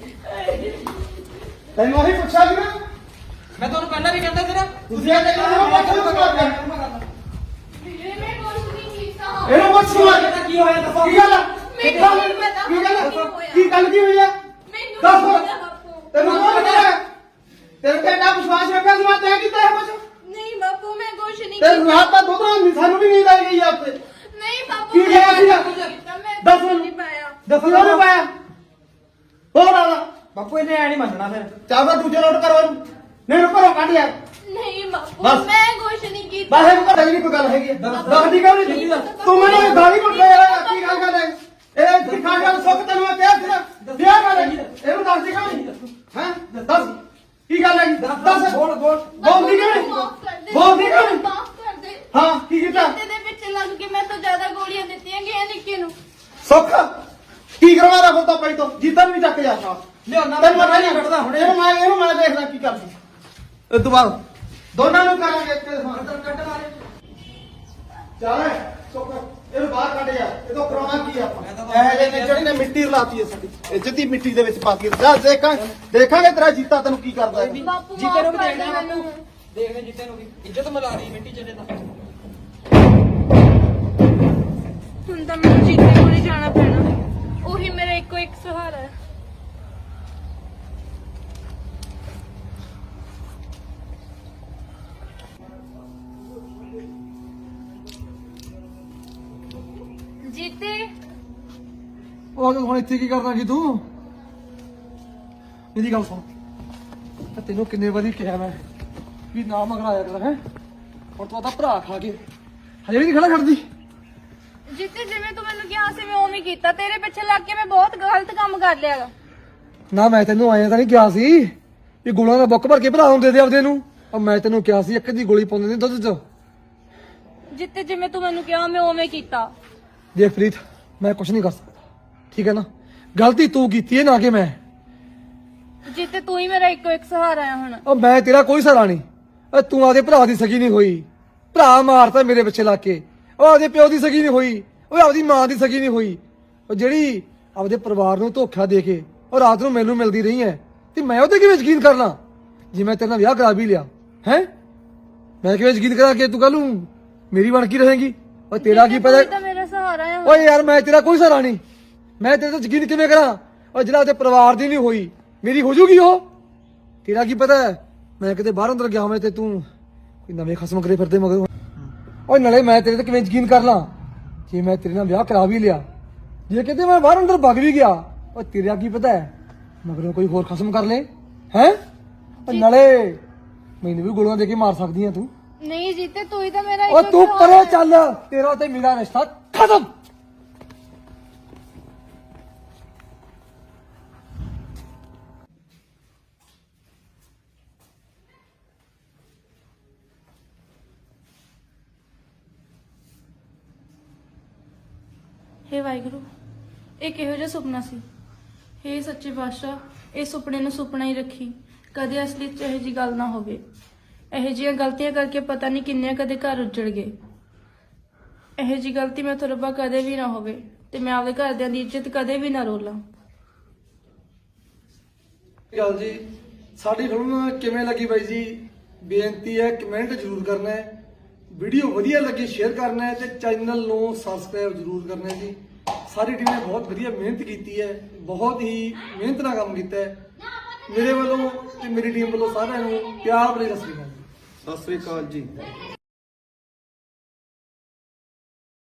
ਤੈਨੂੰ ਉਹੀ ਪੁੱਛਿਆ ਸੀ ਨਾ
ਮੈਂ ਤੁਹਾਨੂੰ ਪਹਿਲਾਂ ਵੀ ਕਹਿੰਦਾ ਤੇਰਾ
ਤੁਸੀਂ ਇਹ ਕਹਿੰਦੇ ਹੋ ਪੁੱਛ ਲਓ
ਵੀਰੇ ਮੈਂ ਕੁਝ ਨਹੀਂ ਕੀਤਾ
ਇਹਨੂੰ ਪੁੱਛ ਲਓ
ਕੀ ਹੋਇਆ ਦੱਸੋ
ਕੀ ਗੱਲ ਆ?
ਮੈਨੂੰ ਨਹੀਂ ਪਤਾ
ਕੀ ਗੱਲ ਆ?
ਕੀ ਹੋਇਆ।
ਕੀ ਗੱਲ ਕੀ ਹੋਈ ਆ
ਮੈਨੂੰ
ਦੱਸ
ਨਹੀਂ
ਹੁਣ।
ਪਤਾ ਬਾਪੂ
ਤੈਨੂੰ ਕੌਣ ਕਹਿੰਦਾ ਤੇਰੇ ਤੇ ਇੰਨਾ ਵਿਸ਼ਵਾਸ ਰੱਖਿਆ ਸੀ ਮੈਂ ਤੈਂ ਕੀਤਾ ਇਹ ਕੁਛ
ਨਹੀਂ ਬਾਪੂ ਮੈਂ ਕੁਝ ਨਹੀਂ
ਤੇ
ਕੀਤਾ
ਰਾਤ ਦਾ ਦੁੱਧ ਨਾਲ ਸਾਨੂੰ ਵੀ ਨੀਂਦ ਆ ਗਈ ਆ ਉੱਤੇ
ਨਹੀਂ ਬਾਪੂ
ਕੀ ਹੋਇਆ ਸੀਗਾ?
ਮੈਂ
ਦੱਸ
ਕੁਝ
ਮੈਨੂੰ।
ਨਹੀਂ ਪਾਇਆ
ਦੱਸੋ ਉਹਨੇ ਪਾਇਆ ਹੋਰ ਆਲਾ
ਬਾਪੂ ਇਹਨੇ ਐ ਨਹੀਂ ਮੰਨਣਾ ਫਿਰ
ਚਾਹਦਾ ਦੂਜੇ ਨੋਟ ਕਰੋ ਇਹਨੂੰ ਨਹੀਂ ਇਹਨੂੰ ਘਰੋਂ ਕੱਢ ਯਾਰ
ਨਹੀਂ ਬਾਪੂ
ਬਸ।
ਮੈਂ ਕੁਝ ਨਹੀਂ ਕੀਤਾ
ਬਾਹਰ ਨੂੰ ਘਰ ਨਹੀਂ ਕੋਈ ਗੱਲ ਹੈਗੀ ਦੱਸਦੀ ਕਿਉਂ ਨਹੀਂ ਤੂੰ ਮੈਨੂੰ ਇਹ ਗਾਲੀ ਕੁੱਟ ਰਿਹਾ ਕੀ ਗੱਲ ਕਰ ਰਿਹਾ ਇਹ ਕੀ ਖਾ ਗੱਲ ਸੁੱਖ ਤੈਨੂੰ ਮੈਂ ਕਿਹਾ ਸੀ ਨਾ ਵਿਆਹ ਕਰ ਇਹਨੂੰ ਦੱਸਦੀ ਕਿਉਂ ਨਹੀਂ ਹੈ ਦੱਸ ਕੀ ਗੱਲ ਹੈਗੀ ਦੱਸ ਬੋਲ ਬੋਲ ਬੋਲਦੀ ਕਿਉਂ ਨਹੀਂ
ਮਾਫ ਕਰ ਦੇ
ਬੋਲਦੀ ਕਿਉਂ ਨਹੀਂ
ਮਾਫ ਕਰ ਦੇ
ਹਾਂ ਕੀ ਕੀਤਾ
ਤੇ ਦੇ ਵਿੱਚ ਲੱਗ ਕੇ ਮੈਂ ਤਾਂ ਜ਼ਿਆਦਾ ਗੋਲੀਆਂ ਦਿੱਤੀਆਂ ਗਈਆਂ ਨਿੱਕੇ ਨੂੰ
ਸੁੱਖ ਕੀ ਕਰਵਾਦਾ ਫਿਰ ਤਾਂ ਪਈ ਤੋਂ ਜਿੱਦਨ ਵੀ ਚੱਕ ਜਾ
ਲਿਆਉਣਾ
ਤੈਨੂੰ ਮੈਂ ਨਹੀਂ ਕੱਢਦਾ ਹੁਣ ਇਹਨੂੰ ਮੈਂ ਇਹਨੂੰ ਮੈਂ ਦੇਖਦਾ ਕੀ ਕਰਦੀ ਇਹ ਤੋਂ ਬਾਅਦ ਦੋਨਾਂ ਨੂੰ ਕਰਾਂਗੇ ਇੱਕ ਦੇ ਸਾਹਮਣੇ ਕੱਢ ਮਾਰੇ ਚੱਲ ਸੁੱਖ ਇਹਨੂੰ ਬਾਹਰ ਕੱਢ ਜਾ ਇਹ ਤੋਂ ਕਰਾਉਣਾ ਕੀ ਆਪਾਂ ਇਹ ਜੇ ਨੇ ਜਿਹੜੀ ਨੇ ਮਿੱਟੀ ਰਲਾਤੀ ਹੈ ਸਾਡੀ ਇੱਜ਼ਤ ਦੀ ਮਿੱਟੀ ਦੇ ਵਿੱਚ ਪਾ ਕੇ ਜਾ ਦੇਖਾਂ ਦੇਖਾਂਗੇ ਤੇਰਾ ਜੀਤਾ ਤੈਨੂੰ ਕੀ ਕਰਦਾ ਹੈ
ਬਾਪੂ
ਜੀਤੇ ਨੂੰ ਵੀ
ਮਾਫ਼ ਕਰ ਦੇ
ਦੇਖਣਾ
ਮੈਨੂੰ।
ਬਾਪੂ ਦੇਖਦੇ ਜੀਤੇ ਨੂੰ ਵੀ ਇੱਜ਼ਤ ਮਿਲਾ ਰਹੀ ਮਿੱਟੀ ਚ ਤਾਂ
ਹੁਣ ਤਾਂ ਮੈਨੂੰ ਜੀਤੇ ਕੋਲ ਹੀ ਜਾਣਾ ਪੈਣਾ ਉਹੀ ਮੇਰਾ ਇੱਕੋ ਇੱਕ ਸਹਾਰਾ ਹੈ ਜੀਤੇ
ਉਹ ਹੁਣ ਇੱਥੇ ਕੀ ਕਰਨਾ ਕੀ ਤੂੰ ਮੇਰੀ ਗੱਲ ਸੁਣ ਤੇ ਤੈਨੂੰ ਕਿੰਨੇ ਵਾਰੀ ਕਿਹਾ ਮੈਂ ਵੀ ਨਾ ਮਗਰਾਇਆ ਕਰ ਹੈ ਹੁਣ ਤੂੰ ਆਦਾ ਭਰਾ ਖਾ ਕੇ ਹਜੇ ਵੀ ਨਹੀਂ ਖੜਾ ਖੜਦੀ
ਜਿੱਤੇ ਜਿਵੇਂ ਤੂੰ ਮੈਨੂੰ ਕਿਹਾ ਸੀ ਮੈਂ ਉਵੇਂ ਕੀਤਾ ਤੇਰੇ ਪਿੱਛੇ ਲੱਗ ਕੇ ਮੈਂ ਬਹੁਤ ਗਲਤ ਕੰਮ ਕਰ ਲਿਆ ਗਾ।
ਨਾ ਮੈਂ ਤੈਨੂੰ ਆਇਆ ਤਾਂ ਨਹੀਂ ਕਿਹਾ ਸੀ ਵੀ ਗੋਲਾਂ ਦਾ ਬੁੱਕ ਭਰ ਕੇ ਭਰਾ ਨੂੰ ਦੇ ਦੇ ਆਪਦੇ ਨੂੰ ਔਰ ਮੈਂ ਤੈਨੂੰ ਕਿਹਾ ਸੀ ਇੱਕ ਦੀ ਗੋਲੀ ਪਾਉਂਦੇ ਨੇ ਦੁੱਧ 'ਚ
ਜਿੱਤੇ ਜਿਵੇਂ ਤੂੰ ਮੈਨੂੰ ਕਿਹਾ ਮੈਂ ਉਵੇਂ ਕੀਤਾ।
ਦੇਖ ਪ੍ਰੀਤ ਮੈਂ ਕੁਝ ਨਹੀਂ ਕਰ ਸਕਦਾ ਠੀਕ ਹੈ ਨਾ ਗਲਤੀ ਤੂੰ ਕੀਤੀ ਹੈ ਨਾ ਕਿ ਮੈਂ
ਜਿੱਤੇ ਤੂੰ ਹੀ ਮੇਰਾ ਇੱਕੋ ਇੱਕ ਸਹਾਰਾ ਆ ਹੁਣ।
ਉਹ ਮੈਂ ਤੇਰਾ ਕੋਈ ਸਹਾਰਾ ਨਹੀਂ ਓ ਤੂੰ ਆਦੇ ਭਰਾ ਦੀ ਸਗੀ ਨਹੀਂ ਹੋਈ ਭਰਾ ਮਾਰਤਾ ਮੇਰੇ ਪਿੱਛੇ ਲਾ ਕੇ ਉਹ ਆਦੇ ਪਿਓ ਦੀ ਸਗੀ ਨਹੀਂ ਹੋਈ ਉਹ ਆਪਦੀ ਮਾਂ ਦੀ ਸਗੀ ਨਹੀਂ ਹੋਈ ਉਹ ਜਿਹੜੀ ਆਪਦੇ ਪਰਿਵਾਰ ਨੂੰ ਧੋਖਾ ਦੇ ਕੇ ਉਹ ਰਾਤ ਨੂੰ ਮੈਨੂੰ ਮਿਲਦੀ ਰਹੀ ਹੈ ਤੇ ਮੈਂ ਉਹਤੇ ਕਿਵੇਂ ਯਕੀਨ ਕਰ ਲਾਂ ਜੇ ਮੈਂ ਤੇਰੇ ਨਾਲ ਵਿਆਹ ਕਰਾ ਵੀ ਲਿਆ ਹੈ ਮੈਂ ਕਿਵੇਂ ਯਕੀਨ ਕਰਾਂ ਕਿ ਤੂੰ ਕੱਲ ਨੂੰ ਮੇਰੀ ਬਣ ਕੇ ਰਹੇਗੀ ਉਹ ਤੇਰਾ ਕੀ ਪਤਾ
ਤੂੰ ਤਾਂ ਮੇਰਾ ਸਹਾਰਾ ਆ ਹੁਣ।
ਓਏ ਯਾਰ ਮੈਂ ਤੇਰਾ ਕੋਈ ਸਹਾਰਾ ਨਹੀਂ ਮੈਂ ਤੇਰੇ ਤੇ ਯਕੀਨ ਕਿਵੇਂ ਕਰਾਂ ਉਹ ਜਿਹੜਾ ਉਹਦੇ ਪਰਿਵਾਰ ਦੀ ਨਹੀਂ ਹੋਈ ਮੇਰੀ ਹੋ ਜੂਗੀ ਉਹ ਤੇਰਾ ਕੀ ਪਤਾ ਮੈਂ ਕਿਤੇ ਬਾਹਰ ਅੰਦਰ ਗਿਆ ਹੋਵੇਂ ਤੇ ਤੂੰ ਕੋਈ ਨਵੇਂ ਖਸਮ ਕਰੇ ਫਿਰਦੇ ਮਗਰ ਓਏ ਨਾਲੇ ਮੈਂ ਤੇਰੇ ਤੇ ਕਿਵੇਂ ਯਕੀਨ ਕਰ ਲਾਂ ਜੇ ਮੈਂ ਤੇਰੇ ਨਾਲ ਵਿਆਹ ਕਰਾ ਵੀ ਲਿਆ ਜੇ ਕਿਤੇ ਮੈਂ ਬਾਹਰ ਅੰਦਰ ਭੱਗ ਵੀ ਗਿਆ ਓ ਤੇਰਾ ਕੀ ਪਤਾ ਹੈ ਮਗਰੋਂ ਕੋਈ ਹੋਰ ਖਸਮ ਕਰ ਲੇ ਹੈ ਨਾਲੇ ਮੈਨੂੰ ਵੀ ਗੋਲੀਆਂ ਦੇ ਕੇ ਮਾਰ ਸਕਦੀ ਆ ਤੂੰ
ਨਹੀਂ ਜਿੱਤੇ ਤੂੰ ਹੀ ਤਾਂ ਮੇਰਾ
ਓ
ਇੱਕੋ
ਤੂੰ
ਸਹਾਰਾ
ਪਰੇ
ਆ।
ਚੱਲ ਤੇਰਾ ਤੇ ਮੇਰਾ ਰਿਸ਼ਤਾ ਖਤਮ
ਹੇ ਵਾਹਿਗੁਰੂ ਇਹ ਕਿਹੋ ਜਿਹਾ ਸੁਪਨਾ ਸੀ। ਹੇ ਸੱਚੇ ਪਾਤਸ਼ਾਹ ਇਹ ਸੁਪਨੇ ਨੂੰ ਸੁਪਨਾ ਹੀ ਰੱਖੀ ਕਦੇ ਅਸਲੀ ਚ ਇਹੋ ਜੀ ਗੱਲ ਨਾ ਹੋਵੇ। ਇਹੋ ਜਿਹੀਆਂ ਗਲਤੀਆਂ ਕਰਕੇ ਪਤਾ ਨਹੀਂ ਕਿੰਨੇ ਕਦੇ ਘਰ ਉੱਜੜ ਗਏ। ਇਹੋ ਜੀ ਗਲਤੀ ਮੈਂ ਤੋਂ ਰੱਬਾ ਕਦੇ ਵੀ ਨਾ ਹੋਵੇ ਤੇ ਮੈਂ ਆਪਦੇ ਘਰਦਿਆਂ ਦੀ ਇੱਜ਼ਤ ਕਦੇ ਵੀ ਨਾ ਰੋਲਾਂ।
ਗੱਲ ਜੀ ਸਾਡੀ ਫਿਲਮ ਕਿਵੇਂ ਲੱਗੀ ਬਾਈ ਜੀ ਬੇਨਤੀ ਹੈ ਕਮੈਂਟ ਜ਼ਰੂਰ ਕਰਨਾ ਹੈ ਵੀਡੀਓ ਵਧੀਆ ਲੱਗੀ ਸ਼ੇਅਰ ਕਰਨਾ ਹੈ ਤੇ ਚੈਨਲ ਨੂੰ ਸਬਸਕ੍ਰਾਈਬ ਜ਼ਰੂਰ ਕਰਨਾ ਹੈ ਜੀ ਸਾਰੀ ਟੀਮ ਨੇ ਬਹੁਤ ਵਧੀਆ ਮਿਹਨਤ ਕੀਤੀ ਹੈ ਬਹੁਤ ਹੀ ਮਿਹਨਤ ਨਾਲ ਕੰਮ ਕੀਤਾ ਹੈ ਮੇਰੇ ਵੱਲੋਂ ਤੇ ਮੇਰੀ ਟੀਮ ਵੱਲੋਂ ਸਾਰਿਆਂ ਨੂੰ ਪਿਆਰ ਭਰੀ ਸਤਿ ਸ੍ਰੀ ਅਕਾਲ
ਸਤਿ ਸ੍ਰੀ ਅਕਾਲ ਜੀ।